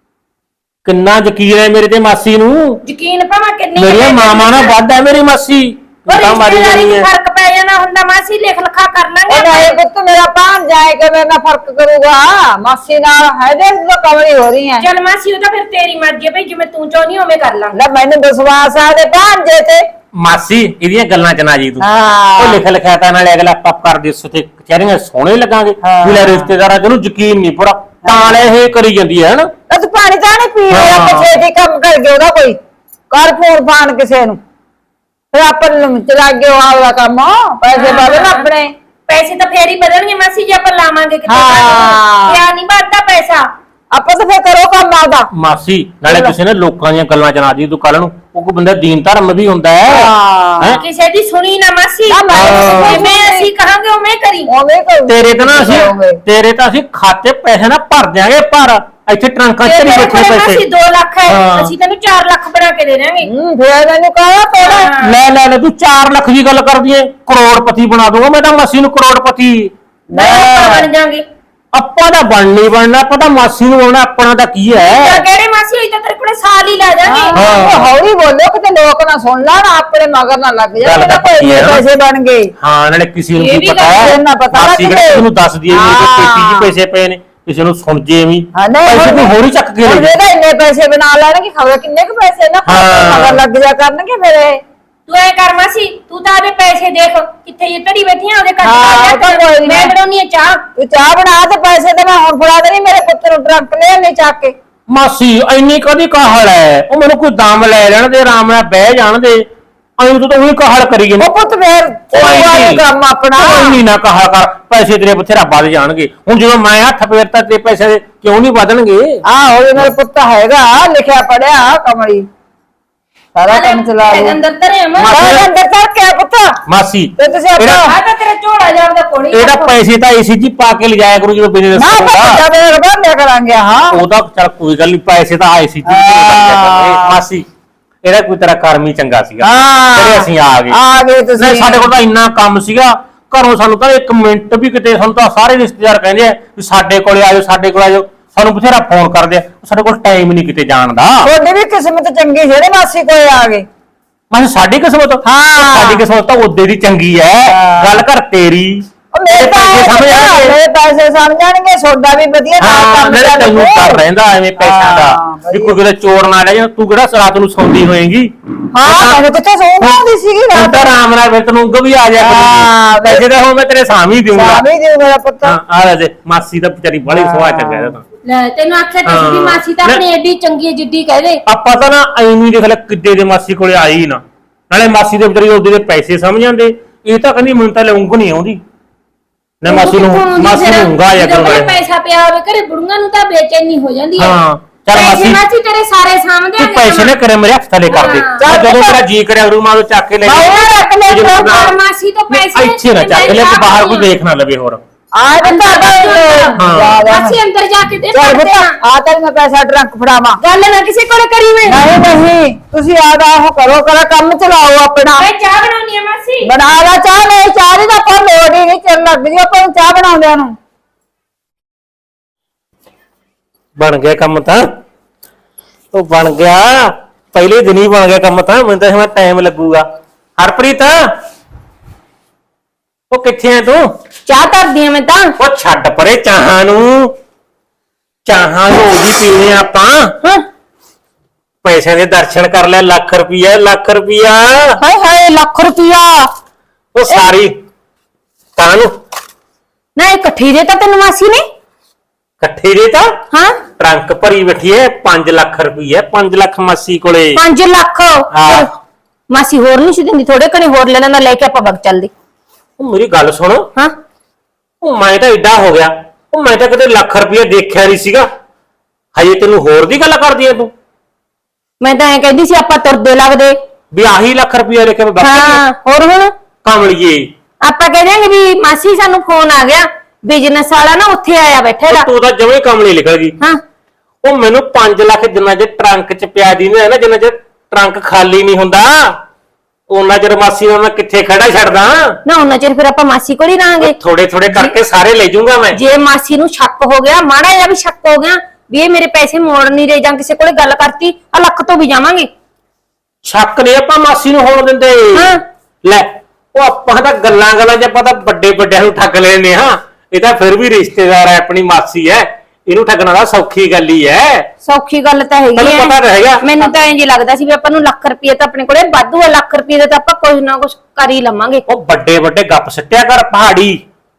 [SPEAKER 2] ਕਿੰਨਾ ਯਕੀਨ ਹੈ ਮੇਰੇ ਤੇ ਮਾਸੀ ਨੂੰ।
[SPEAKER 1] ਯਕੀਨ ਭਾਵੇਂ ਕਿੰਨੀ
[SPEAKER 2] ਮੇਰੀਆਂ ਮਾਮਾ ਨਾਲ ਵੱਧ ਹੈ ਮੇਰੀ ਮਾਸੀ। ਤੂੰ ਤਾਂ ਮਾਰੀ
[SPEAKER 1] ਰਿਸ਼ਤੇਦਾਰੀ
[SPEAKER 2] ਜਾਂਦੀ
[SPEAKER 1] ਚ
[SPEAKER 2] ਹੈ।
[SPEAKER 1] ਫਰਕ ਪੈ ਜਾਣਾ ਹੁੰਦਾ ਮਾਸੀ, ਲਿਖ ਲਿਖਾ ਕਰ ਲਾਂਗੇ
[SPEAKER 3] ਉਹ ਨਹੀਂ ਪੁੱਤ ਮੇਰਾ ਭਾਣ ਜਾਏਗਾ, ਮੇਰੇ ਨਾਲ ਫਰਕ ਕਰੂਗਾ। ਮਾਸੀ ਨਾਲ ਹੈ ਦੇ ਤੂੰ ਕਮਲੀ ਹੋ ਰਹੀ ਹੈ।
[SPEAKER 1] ਚੱਲ ਮਾਸੀ ਉਹ ਤਾਂ ਫਿਰ ਤੇਰੀ ਮਰਜ਼ੀ ਹੈ ਭਈ, ਜਿਵੇਂ ਤੂੰ ਚਾਹੁੰਦੀ ਹੋਵੇਂ ਕਰ ਲਾਂਗੇ।
[SPEAKER 3] ਲੈ ਮੈਨੂੰ ਵਿਸ਼ਵਾਸ ਆ ਦੇ ਭਾਂਜੇ ਤੇ।
[SPEAKER 2] ਮਾਸੀ ਇਹਦੀਆਂ ਗੱਲਾਂ ਚ ਨਾ ਜੀ ਤੂੰ।
[SPEAKER 3] ਹਾਂ।
[SPEAKER 2] ਉਹ ਲਿਖ ਲਿਖਿਆ ਤਾਂ ਨਾਲੇ ਅਗਲਾ ਪੱਪ ਕਰਦੇ ਸੁਤੇ ਕਚਹਿਰੀਆਂ ਸੋਹਣੇ ਲੱਗਾਂਗੇ।
[SPEAKER 3] ਹਾਂ।
[SPEAKER 2] ਲੈ ਰਿਸ਼ਤੇਦਾਰਾਂ ਜਿਹਨੂੰ ਯਕੀਨ ਨਹੀਂ ਪੂਰਾ ਤਾਂ ਲੈ ਇਹ ਕਰੀ ਜਾਂਦੀ ਹੈ ਹਨਾ।
[SPEAKER 3] ਲੈ ਤੂੰ ਪਾਣੀ ਤਾਂ ਨਹੀਂ ਪੀ ਰਿਹਾ,
[SPEAKER 2] ਹਾਂ।
[SPEAKER 3] ਪਿੱਛੇ ਦੀ ਕੰਮ ਕਰ ਗਿਆ ਉਹਦਾ ਕੋਈ ਕਰ ਫੋਨ ਫਾਨ ਕਿਸੇ ਨੂੰ, ਫਿਰ ਆਪਾਂ ਨੂੰ ਚਲਾ ਗਿਆ ਆਪਦਾ ਕੰਮ, ਪੈਸੇ ਬਾਲੇ ਨਾ ਆਪਣੇ।
[SPEAKER 1] ਪੈਸੇ ਤਾਂ ਫੇਰ ਹੀ ਵਧਣਗੇ ਮਾਸੀ ਜੇ ਆਪਾਂ ਲਾਵਾਂਗੇ ਕਿਤੇ।
[SPEAKER 3] ਹਾਂ।
[SPEAKER 1] ਕਿਆ ਨਹੀਂ ਵੱਧਦਾ ਪੈਸਾ।
[SPEAKER 3] ਆਪਾਂ ਤਾਂ ਫਿਰ ਕਰੋ ਕੰਮ ਆਪਦਾ।
[SPEAKER 2] ਮਾਸੀ ਨਾਲੇ ਕਿਸੇ ਨੇ ਲੋਕਾਂ ਦੀਆਂ ਗੱਲਾਂ ਚ ਨਾ ਜੀ ਤੂੰ, ਕੱਲ ਨੂੰ ਉਹ ਕੋਈ ਬੰਦਾ ਦੀਨ ਧਰਮ ਵੀ ਹੁੰਦਾ ਹੈ।
[SPEAKER 3] ਹਾਂ।
[SPEAKER 2] ਹੈਂ?
[SPEAKER 1] ਕਿਸੇ ਦੀ ਸੁਣੀ ਨਾ ਮਾਸੀ,
[SPEAKER 3] ਨਾ ਮੈਂ
[SPEAKER 2] ਹਾਂ।
[SPEAKER 1] ਜਿਵੇਂ ਅਸੀਂ ਕਹਾਂਗੇ ਉਵੇਂ ਕਰੀ।
[SPEAKER 3] ਉਵੇਂ ਕਰੂ।
[SPEAKER 2] ਤੇਰੇ ਤਾਂ ਨਾ ਅਸੀਂ ਤੇਰੇ ਤਾਂ ਅਸੀਂ ਖਾਤੇ ਪੈਸੇ ਨਾ ਭਰ ਦਿਆਂਗੇ, ਪਰ ਇੱਥੇ ਟਰੰਕਾਂ ਚ
[SPEAKER 1] ਜੇ
[SPEAKER 2] ਨਹੀਂ
[SPEAKER 1] ਤੇਰੇ
[SPEAKER 2] ਬੈਠੇ
[SPEAKER 1] ਕੋਲ ਮਾਸੀ
[SPEAKER 2] ਪੈਸੇ।
[SPEAKER 1] ਦੋ ਲੱਖ ਹੈ,
[SPEAKER 2] ਹਾਂ।
[SPEAKER 1] ਅਸੀਂ ਤੈਨੂੰ ਚਾਰ ਲੱਖ ਬਣਾ ਕੇ ਦੇ ਦਾਂਗੇ।
[SPEAKER 3] ਹੂੰ ਫਿਰ ਮੈਨੂੰ ਕਹਾ ਤੋੜਾ।
[SPEAKER 1] ਹਾਂ।
[SPEAKER 2] ਲੈ ਲੈ ਲੈ ਤੂੰ ਚਾਰ ਲੱਖ ਦੀ ਗੱਲ ਕਰਦੀ ਏ, ਕਰੋੜਪਤੀ ਬਣਾ ਦੂੰਗਾ ਮੈਂ ਤਾਂ ਮਾਸੀ ਨੂੰ ਕਰੋੜਪਤੀ।
[SPEAKER 1] ਮੈਂ ਆਪਾਂ ਬਣ ਜਾਾਂਗੇ।
[SPEAKER 2] ਆਪਾਂ ਦਾ ਬਣ ਨਹੀਂ ਬਣਨਾ, ਆਪਾਂ ਤਾਂ ਮਾਸੀ ਨੂੰ ਬਣਨਾ, ਆਪਣਾ ਤਾਂ ਕੀ
[SPEAKER 1] ਤਾਂ
[SPEAKER 2] ਹੈ।
[SPEAKER 1] ਕਿਹੜੇ ਮਾਸੀ ਹੋਈ ਤਾਂ ਤੇਰੇ ਕੋਲੇ ਸਾਲ ਹੀ ਲਾ ਜਾਾਂਗੇ।
[SPEAKER 2] ਹਾਂ।
[SPEAKER 3] ਉਹ ਹੌਲੀ ਬੋਲੋ ਕਿਤੇ ਲੋਕ ਨਾ ਸੁਣ ਲੈਣ, ਆਪਣੇ ਮਗਰ ਨਾ ਲੱਗ
[SPEAKER 2] ਗੱਲ
[SPEAKER 3] ਜਾਣ।
[SPEAKER 2] ਤਾਂ
[SPEAKER 3] ਕੋਈ
[SPEAKER 2] ਪੱਕੀ ਹੈ ਨਾ।
[SPEAKER 3] ਪੈਸੇ ਬਣ ਗਏ।
[SPEAKER 2] ਹਾਂ ਨਾਲੇ ਕਿਸੇ ਨੂੰ
[SPEAKER 1] ਇਹ
[SPEAKER 2] ਕੀ
[SPEAKER 1] ਵੀ
[SPEAKER 2] ਪਤਾ
[SPEAKER 3] ਗੱਲ
[SPEAKER 2] ਹੈ,
[SPEAKER 3] ਨਾ ਪਤਾ
[SPEAKER 2] ਮਾਸੀ
[SPEAKER 3] ਲੱਗੇ।
[SPEAKER 2] ਕਿਹੜਾ ਕਿਸੇ ਨੂੰ ਦੱਸ ਦਈਏ ਵੀ ਇਹਦੇ ਪੇਟੀ 'ਚ
[SPEAKER 3] ਹਾਂ।
[SPEAKER 2] ਪੈਸੇ ਪਏ ਨੇ, ਕਿਸੇ ਨੂੰ ਸੁਣ ਜੇ ਵੀ
[SPEAKER 3] ਹਾਂ ਨਹੀਂ
[SPEAKER 2] ਪੈਸੇ ਕੋਈ ਹੋਰ ਹੀ ਚੱਕ ਕੇ ਲੈ
[SPEAKER 3] ਹੁਣ
[SPEAKER 2] ਜਾਏ।
[SPEAKER 3] ਇਹਦਾ ਇੰਨੇ ਪੈਸੇ ਬਣਾ ਲੈਣਗੇ, ਖਬਰ ਕਿੰਨੇ ਕੁ ਪੈਸੇ ਨਾ
[SPEAKER 2] ਹਾਂ।
[SPEAKER 3] ਮਗਰ ਲੱਗ ਜਾ ਕਰਨਗੇ ਮੇਰੇ।
[SPEAKER 1] ਤੂੰ ਐ ਕਰ ਮਾਸੀ, ਤੂੰ ਤਾਂ ਆਦੇ ਪੈਸੇ ਦੇਖ ਕਿੱਥੇ ਇਹ ਧੜੀ ਬੈਠੀਆਂ, ਉਹਦੇ
[SPEAKER 3] ਹਾਂ, ਉਹ ਤਾਂ ਕੋਈ
[SPEAKER 1] ਕੱਟ
[SPEAKER 3] ਨੀ।
[SPEAKER 1] ਮੈਂ ਬਣਾਉਣੀ ਆ ਚਾਹ।
[SPEAKER 3] ਤੂੰ ਚਾਹ ਬਣਾ ਤੇ ਪੈਸੇ ਤੇ ਮੈਂ ਹੁਣ ਫੜਾ ਦੇਣੀ, ਮੇਰੇ ਪੁੱਤ ਨੂੰ ਟਰੰਕ ਲੈ ਨਹੀਂ ਚੱਕ ਕੇ।
[SPEAKER 2] ਮਾਸੀ ਇੰਨੀ ਕਦੀ ਕਾਹਲ ਹੈ, ਉਹ ਮੈਨੂੰ ਕੋਈ ਦਮ ਲੈ ਲੈਣ ਦੇ, ਆਰਾਮ ਨਾਲ ਬਹਿ ਜਾਣ ਦੇ। ਐਂ ਤੂੰ ਤਾਂ ਉਹੀ ਕਾਹਲ ਕਰੀ ਜਾਂਦੀ।
[SPEAKER 3] ਉਹ ਪੁੱਤ ਫੇਰ ਉਹ ਕੰਮ ਆਪਣਾ।
[SPEAKER 2] ਇੰਨੀ ਨਾ ਕਹਾ ਕਰ, ਪੈਸੇ ਤੇਰੇ ਬਥੇਰਾ ਵੱਧ ਜਾਣਗੇ। ਹੁਣ ਜਦੋਂ ਮੈਂ ਹੱਥ ਫੇਰਤਾ ਤੇ ਪੈਸੇ ਕਿਉਂ ਨਹੀਂ ਵਧਣਗੇ।
[SPEAKER 3] ਆਹੋ ਇਹ ਮੇਰੇ ਪੁੱਤ ਹੈਗਾ, ਲਿਖਿਆ ਪੜਿਆ ਕਮਲੀ, ਸਾਰਾ ਕੰਮ ਚਲਾ ਲੂ।
[SPEAKER 1] ਅੰਦਰ ਧਰੇ ਮੈਂ
[SPEAKER 3] ਮਾਰੇ ਅੰਦਰ ਤੱਕ ਕਿਆ ਪੁੱਤ
[SPEAKER 2] ਮਾਸੀ
[SPEAKER 3] ਤੇ ਤੁਸੀਂ ਆਪਣਾ
[SPEAKER 2] ਇਹਦਾ-
[SPEAKER 1] ਆ ਤਾਂ ਤੇਰਾ ਝੋਲਾ ਜਾਂਦਾ ਕੋਣੀ।
[SPEAKER 2] ਇਹਦਾ ਪੈਸੇ ਤਾਂ ਏਸੀ ਜੀ ਪਾ ਕੇ ਲਿਜਾਇਆ ਕਰੂ ਜਦੋਂ ਬਿਜ਼ਨਸ
[SPEAKER 3] ਨਾ
[SPEAKER 2] ਕਰੂਗਾ।
[SPEAKER 3] ਪਤਾ ਮੇਰੇ ਬੰਦੇ ਕਰਾਂਗੇ। ਹਾਂ
[SPEAKER 2] ਉਹਦਾ ਚੱਲ ਕੋਈ ਗੱਲ ਨਹੀਂ, ਪੈਸੇ ਤਾਂ ਆਏ ਸੀ ਜੀ
[SPEAKER 3] ਹਾਂ।
[SPEAKER 2] ਮਾਸੀ ਇਹਦਾ ਕੋਈ ਤੇਰਾ ਕਰਮ ਹੀ ਚੰਗਾ ਸੀਗਾ
[SPEAKER 3] ਹਾਂ।
[SPEAKER 2] ਜਿਹੜੇ ਅਸੀਂ ਆ ਗਏ।
[SPEAKER 3] ਆ ਗਏ ਤੁਸੀਂ।
[SPEAKER 2] ਨਹੀਂ, ਸਾਡੇ ਕੋਲ ਤਾਂ ਇੰਨਾ ਕੰਮ ਸੀਗਾ ਘਰੋਂ, ਸਾਨੂੰ ਤਾਂ ਇੱਕ ਮਿੰਟ ਵੀ ਕਿਤੇ, ਸਾਨੂੰ ਤਾਂ ਸਾਰੇ ਰਿਸ਼ਤੇਦਾਰ ਕਹਿੰਦੇ ਆ ਵੀ ਸਾਡੇ ਕੋਲੇ ਆਜੋ, ਸਾਡੇ ਕੋਲ ਆਜੋ, ਸਾਨੂੰ ਬਥੇਰਾ ਫੋਨ ਕਰਦੇ ਆ, ਸਾਡੇ ਕੋਲ ਟਾਈਮ ਨਹੀਂ ਕਿਤੇ ਜਾਣ ਦਾ।
[SPEAKER 3] ਤੁਹਾਡੀ ਵੀ ਕਿਸਮਤ ਚੰਗੀ, ਜਿਹੜੇ ਮਾਸੀ ਕੋਲ ਆ ਗਏ।
[SPEAKER 2] ਮੈਂ ਕਿਹਾ ਸਾਡੀ ਕਿਸਮਤ,
[SPEAKER 3] ਹਾਂ।
[SPEAKER 2] ਸਾਡੀ ਕਿਸਮਤ ਤਾਂ ਉਹਦੇ ਦੀ ਚੰਗੀ ਐ।
[SPEAKER 3] ਹਾਂ।
[SPEAKER 2] ਗੱਲ ਕਰ ਤੇਰੀ,
[SPEAKER 3] ਉਹ ਮੇਰੇ
[SPEAKER 2] ਪੈਸੇ ਸਮਝ ਆਣਗੇ।
[SPEAKER 3] ਮੇਰੇ ਪੈਸੇ ਸਮਝ ਜਾਣਗੇ, ਸੋਡਾ ਵੀ ਵਧੀਆ ਨਾਲ
[SPEAKER 2] ਹਾਂ
[SPEAKER 3] ਕੰਮ
[SPEAKER 2] ਨਾਲੇ ਤੈਨੂੰ
[SPEAKER 3] ਚੱਲੂ।
[SPEAKER 2] ਡਰ ਰਹਿੰਦਾ ਐਵੇਂ ਪੈਸਿਆਂ
[SPEAKER 3] ਹਾਂ,
[SPEAKER 2] ਦਾ ਵੀ ਕੋਈ ਕਿਤੇ ਚੋਰ ਨਾ ਲੈ ਜਾ। ਤੂੰ ਕਿਹੜਾ ਰਾਤ ਨੂੰ ਸੌਂਦੀ ਹੋਏਗੀ।
[SPEAKER 3] ਹਾਂ ਮੈਨੂੰ ਕਿੱਥੇ ਸੌਂ ਆਉਂਦੀ ਸੀਗੀ
[SPEAKER 2] ਤੂੰ
[SPEAKER 3] ਰਾਤ
[SPEAKER 2] ਤਾਂ ਆਰਾਮ ਨਾਲ ਫਿਰ ਤੈਨੂੰ ਉਂਗ ਵੀ ਆ ਜਾ
[SPEAKER 3] ਹਾਂ,
[SPEAKER 2] ਕਰੂਗੀ। ਪੈਸੇ ਤਾਂ ਹੁਣ ਮੈਂ ਤੇਰੇ ਸਾਹਮਣੇ ਹੀ ਦੇਊਂਗਾ।
[SPEAKER 3] ਸਾਵੀ ਜੀ ਮੇਰਾ ਪੁੱਤ।
[SPEAKER 2] ਹਾਂ ਆ ਲੈ ਦੇ, ਮਾਸੀ ਦਾ ਵਿਚਾਰੀ ਬੜੀ ਸੁਭਾਅ ਚੰਗਾ ਇਹਦਾ ਤਾਂ।
[SPEAKER 1] ਲੈ ਤੈਨੂੰ ਆਖਿਆ ਤਾਂ ਸੀ ਵੀ
[SPEAKER 2] ਹਾਂ।
[SPEAKER 1] ਮਾਸੀ ਤਾਂ ਆਪਣੀ ਐਡੀ ਚੰਗੀ ਹੈ ਜਿੱਡੀ ਕਹਦੇ।
[SPEAKER 2] ਆਪਾਂ ਤਾਂ ਨਾ ਐਵੇਂ ਦੇਖ ਲੈ ਕਿੱਡੇ ਦੇ ਮਾਸੀ ਕੋਲੇ ਆਈ ਹੀ ਨਾ, ਨਾਲੇ ਮਾਸੀ ਦੇ ਵਿਚਾਰੀ ਉਹਦੇ ਦੇ ਪੈਸੇ ਸਮਝ ਜਾਂਦੇ। ਇਹ ਤਾਂ ਕਹਿੰਦੀ ਮੈਨੂੰ ਤਾਂ ਲੈ ਉਂਗ ਨਹੀਂ ਆਉਂਦੀ ਨਾ, ਮਾਸੀ ਨੂੰ ਮਾਸੀ ਨੂੰ ਉਂਗਾ ਆ
[SPEAKER 1] ਜਦੋਂ
[SPEAKER 2] ਕਰੂਗਾ।
[SPEAKER 1] ਪੈਸਾ ਪਿਆ ਹੋਵੇ ਘਰੇ ਬੁੜੀਆਂ ਨੂੰ ਤਾਂ ਬੇਚੈਨੀ ਹੋ ਜਾਂਦੀ ਹੈ।
[SPEAKER 2] ਹਾਂ ਚੱਲ
[SPEAKER 1] ਪੈਸੇ
[SPEAKER 2] ਮਾਸੀ
[SPEAKER 1] ਮਾਸੀ ਤੇਰੇ ਸਾਰੇ ਸਾਹਮਣੇ
[SPEAKER 2] ਤੂੰ ਪੈਸੇ ਨਾ ਕਰੇ ਮੇਰੇ ਹੱਥ ਥੱਲੇ ਕਰ ਦੇ।
[SPEAKER 1] ਹਾਂ।
[SPEAKER 2] ਮੈਂ ਜਦੋਂ ਮੇਰਾ ਜੀ ਕਰਿਆ ਰੂ ਮੈਂ ਉਹ ਚੱਕ ਕੇ ਲੈ
[SPEAKER 3] ਮੈਂ ਉਹ ਰੱਖ ਲੈ
[SPEAKER 2] ਜੇ
[SPEAKER 3] ਲਓ,
[SPEAKER 2] ਨਾ-
[SPEAKER 1] ਮਾਸੀ ਤੋਂ ਪੈਸੇ
[SPEAKER 2] ਇੱਥੇ ਨਾ ਚੱਕ ਲੈ, ਤੇ ਬਾਹਰ ਕੋਈ ਦੇਖ ਨਾ ਲਵੇ ਹੋਰ।
[SPEAKER 3] ਆ ਤੇ
[SPEAKER 1] ਹਾਂ। ਅਸੀਂ ਅੰਦਰ ਜਾ ਕੇ ਦੇ
[SPEAKER 3] ਚੱਲ
[SPEAKER 1] ਪੜਦੇ
[SPEAKER 3] ਪੁੱਤ
[SPEAKER 1] ਆ
[SPEAKER 3] ਆ ਤਾਂ ਮੈਂ ਪੈਸਾ ਟਰੰਕ ਫੜਾਵਾਂ।
[SPEAKER 1] ਗੱਲ ਨਾ ਕਿਸੇ ਕੋਲ ਕਰੀ ਮੈਂ
[SPEAKER 3] ਨਹੀਂ ਨਹੀਂ ਤੁਸੀਂ ਆਦਾ ਉਹ ਕਰੋ ਕਰਾ ਕੰਮ ਚਲਾਓ ਆਪਣਾ।
[SPEAKER 1] ਮੈਂ ਚਾਹ ਬਣਾਉਣੀ ਆ ਮਾਸੀ।
[SPEAKER 3] ਬਣਾ ਲਾ ਚਾਹ, ਨਹੀਂ ਚਾਹ ਦੀ ਤਾਂ ਆਪਾਂ ਲੋੜ ਹੀ ਨਹੀਂ, ਚੱਲ ਲੱਗ ਜੀ ਆਪਾਂ ਨੂੰ ਚਾਹ ਬਣਾਉਂਦਿਆਂ ਨੂੰ।
[SPEAKER 2] ਬਣ ਗਿਆ ਕੰਮ ਤਾਂ, ਉਹ ਬਣ ਗਿਆ ਪਹਿਲੇ ਦਿਨ ਹੀ ਬਣ ਗਿਆ ਕੰਮ ਤਾਂ। ਮੈਨੂੰ ਤਾਂ ਹੁਣ ਟਾਈਮ ਲੱਗੂਗਾ। ਹਰਪ੍ਰੀਤ ਉਹ ਕਿੱਥੇ ਆ ਤੂੰ?
[SPEAKER 1] ਚਾਹ ਧਰਦੀ ਆ ਮੈਂ ਤਾਂ।
[SPEAKER 2] ਉਹ ਛੱਡ ਪਰੇ ਚਾਹਾਂ ਨੂੰ, ਚਾਹਾਂ ਰੋਜ਼ ਹੀ ਪੀਣੇ ਆਪਾਂ।
[SPEAKER 1] ਹਾਂ
[SPEAKER 2] ਪੈਸਿਆਂ ਦੇ ਦਰਸ਼ਨ ਕਰ ਲੈ, ਲੱਖ ਰੁਪਈਆ ਲੱਖ ਰੁਪਈਆ
[SPEAKER 1] ਹਾਏ ਹਾਏ ਲੱਖ ਰੁਪਿਆ
[SPEAKER 2] ਉਹ ਸਾਰੀ ਕਾਹਨੂੰ
[SPEAKER 1] ਨਾ ਇਕੱਠੀ ਦੇ ਤਾਂ ਤੈਨੂੰ ਮਾਸੀ ਨੇ।
[SPEAKER 2] ਇਕੱਠੇ ਦੇ ਤਾਂ
[SPEAKER 1] ਹਾਂ
[SPEAKER 2] ਟਰੰਕ ਭਰੀ ਬੈਠੀ ਐ ਪੰਜ ਲੱਖ ਰੁਪਈਆ, ਪੰਜ ਲੱਖ ਮਾਸੀ ਕੋਲੇ।
[SPEAKER 1] ਪੰਜ ਲੱਖ
[SPEAKER 2] ਹਾਂ।
[SPEAKER 1] ਮਾਸੀ ਹੋਰ ਨਹੀਂ ਸੀ ਦਿੰਦੀ, ਥੋੜੇ ਕਣੇ ਹੋਰ ਲੈ ਲੈਂਦਾ, ਲੈ ਕੇ ਆਪਾਂ ਵਗ ਚੱਲਦੇ।
[SPEAKER 2] ਉਹ ਮੇਰੀ ਗੱਲ ਸੁਣ,
[SPEAKER 1] ਹਾਂ
[SPEAKER 2] ਉਹ ਮੈਂ ਤਾਂ ਏਡਾ ਹੋ ਗਿਆ, ਉਹ ਮੈਂ ਤਾਂ ਕਦੇ ਲੱਖ ਰੁਪਈਆ ਦੇਖਿਆ ਨਹੀਂ ਸੀਗਾ। ਹਜੇ ਤੈਨੂੰ ਹੋਰ ਦੀ ਗੱਲ ਕਰਦੀ ਐ ਤੂੰ?
[SPEAKER 1] ਮੈਂ ਤਾਂ ਐ ਕਹਿੰਦੀ ਸੀ ਆਪਾਂ ਤੁਰਦੇ ਲੱਗਦੇ।
[SPEAKER 2] ਵੀ ਆਹੀ ਲੱਖ ਰੁਪਈਆ ਲੈ ਕੇ ਮੈਂ ਬਾਕੀ
[SPEAKER 1] ਹਾਂ ਹੋਰ ਹੁਣ
[SPEAKER 2] ਕਮਲੀਏ
[SPEAKER 1] ਆਪਾਂ ਕਹਿ ਦਿਆਂਗੇ ਵੀ ਮਾਸੀ ਸਾਨੂੰ ਫੋਨ ਆ ਗਿਆ, ਬਿਜ਼ਨਸ ਵਾਲਾ ਨਾ ਉੱਥੇ ਆਇਆ ਬੈਠਾ ਹੈਗਾ।
[SPEAKER 2] ਤੂੰ ਤਾਂ ਜਮੇ ਕਮਲੀ ਨਿਕਲ ਗਈ।
[SPEAKER 1] ਹਾਂ
[SPEAKER 2] ਉਹ ਮੈਨੂੰ ਪੰਜ ਲੱਖ ਜਿੰਨਾ ਜੇ ਟਰੰਕ ਚ ਪਿਆ ਦੀ ਨਾ ਨਾ, ਜਿੰਨਾ ਜੇ ਟਰੰਕ ਖਾਲੀ ਨਹੀਂ ਹੁੰਦਾ ਉਹਨਾਂ ਚਿਰ ਮਾਸੀ ਨੂੰ ਮੈਂ ਕਿੱਥੇ ਖੜਾ ਛੱਡਦਾ।
[SPEAKER 1] ਨਾ ਉਹਨਾਂ ਚਿਰ ਫਿਰ ਆਪਾਂ ਮਾਸੀ ਕੋਲ ਹੀ ਰਹਾਂਗੇ।
[SPEAKER 2] ਥੋੜੇ ਥੋੜੇ ਕਰਕੇ ਸਾਰੇ ਲੈ ਜਾਊਂਗਾ ਮੈਂ।
[SPEAKER 1] ਜੇ ਮਾਸੀ ਨੂੰ ਸ਼ੱਕ ਹੋ ਗਿਆ, ਮਾੜਾ ਜਿਹਾ ਵੀ ਸ਼ੱਕ ਹੋ ਗਿਆ ਵੀ ਇਹ ਮੇਰੇ ਪੈਸੇ ਮੋੜ ਨਹੀਂ ਰਹੇ ਜਾਂ ਕਿਸੇ ਕੋਲੇ ਗੱਲ ਕਰਤੀ, ਆ ਲੱਖ ਤੋਂ ਵੀ ਜਾਵਾਂਗੇ।
[SPEAKER 2] ਸ਼ੱਕ ਨਹੀਂ ਆਪਾਂ ਮਾਸੀ ਨੂੰ ਹੋਣ ਦਿੰਦੇ।
[SPEAKER 1] ਹਾਂ।
[SPEAKER 2] ਲੈ ਉਹ ਆਪਾਂ ਤਾਂ ਗੱਲਾਂ ਗੱਲਾਂ 'ਚ ਆਪਾਂ ਤਾਂ ਵੱਡੇ ਵੱਡਿਆਂ ਨੂੰ ਠੱਗ ਲੈਨੇ ਹਾਂ। ਇਹ ਤਾਂ ਫਿਰ ਵੀ ਰਿਸ਼ਤੇਦਾਰ ਹੈ, ਆਪਣੀ ਮਾਸੀ ਹੈ, ਇਹਨੂੰ ਠੱਗਣਾ ਤਾਂ ਸੌਖੀ ਗੱਲ ਹੀ ਹੈ।
[SPEAKER 1] ਸੌਖੀ ਗੱਲ ਤਾਂ ਹੈਗੀ
[SPEAKER 2] ਤੈਨੂੰ ਪਤਾ ਤਾਂ ਹੈਗਾ।
[SPEAKER 1] ਮੈਨੂੰ ਤਾਂ ਇੰਜ ਲੱਗਦਾ ਸੀ ਵੀ ਆਪਾਂ ਨੂੰ ਲੱਖ ਰੁਪਏ ਤਾਂ ਆਪਣੇ ਕੋਲੇ ਵਾਧੂ ਆ, ਲੱਖ ਰੁਪਏ ਦਾ ਤਾਂ ਆਪਾਂ ਕੁਝ ਨਾ ਕੁਝ ਕਰ ਹੀ ਲਵਾਂਗੇ।
[SPEAKER 2] ਉਹ ਵੱਡੇ ਵੱਡੇ ਗੱਪ ਸੱਟਿਆ ਕਰ ਪਹਾੜੀ।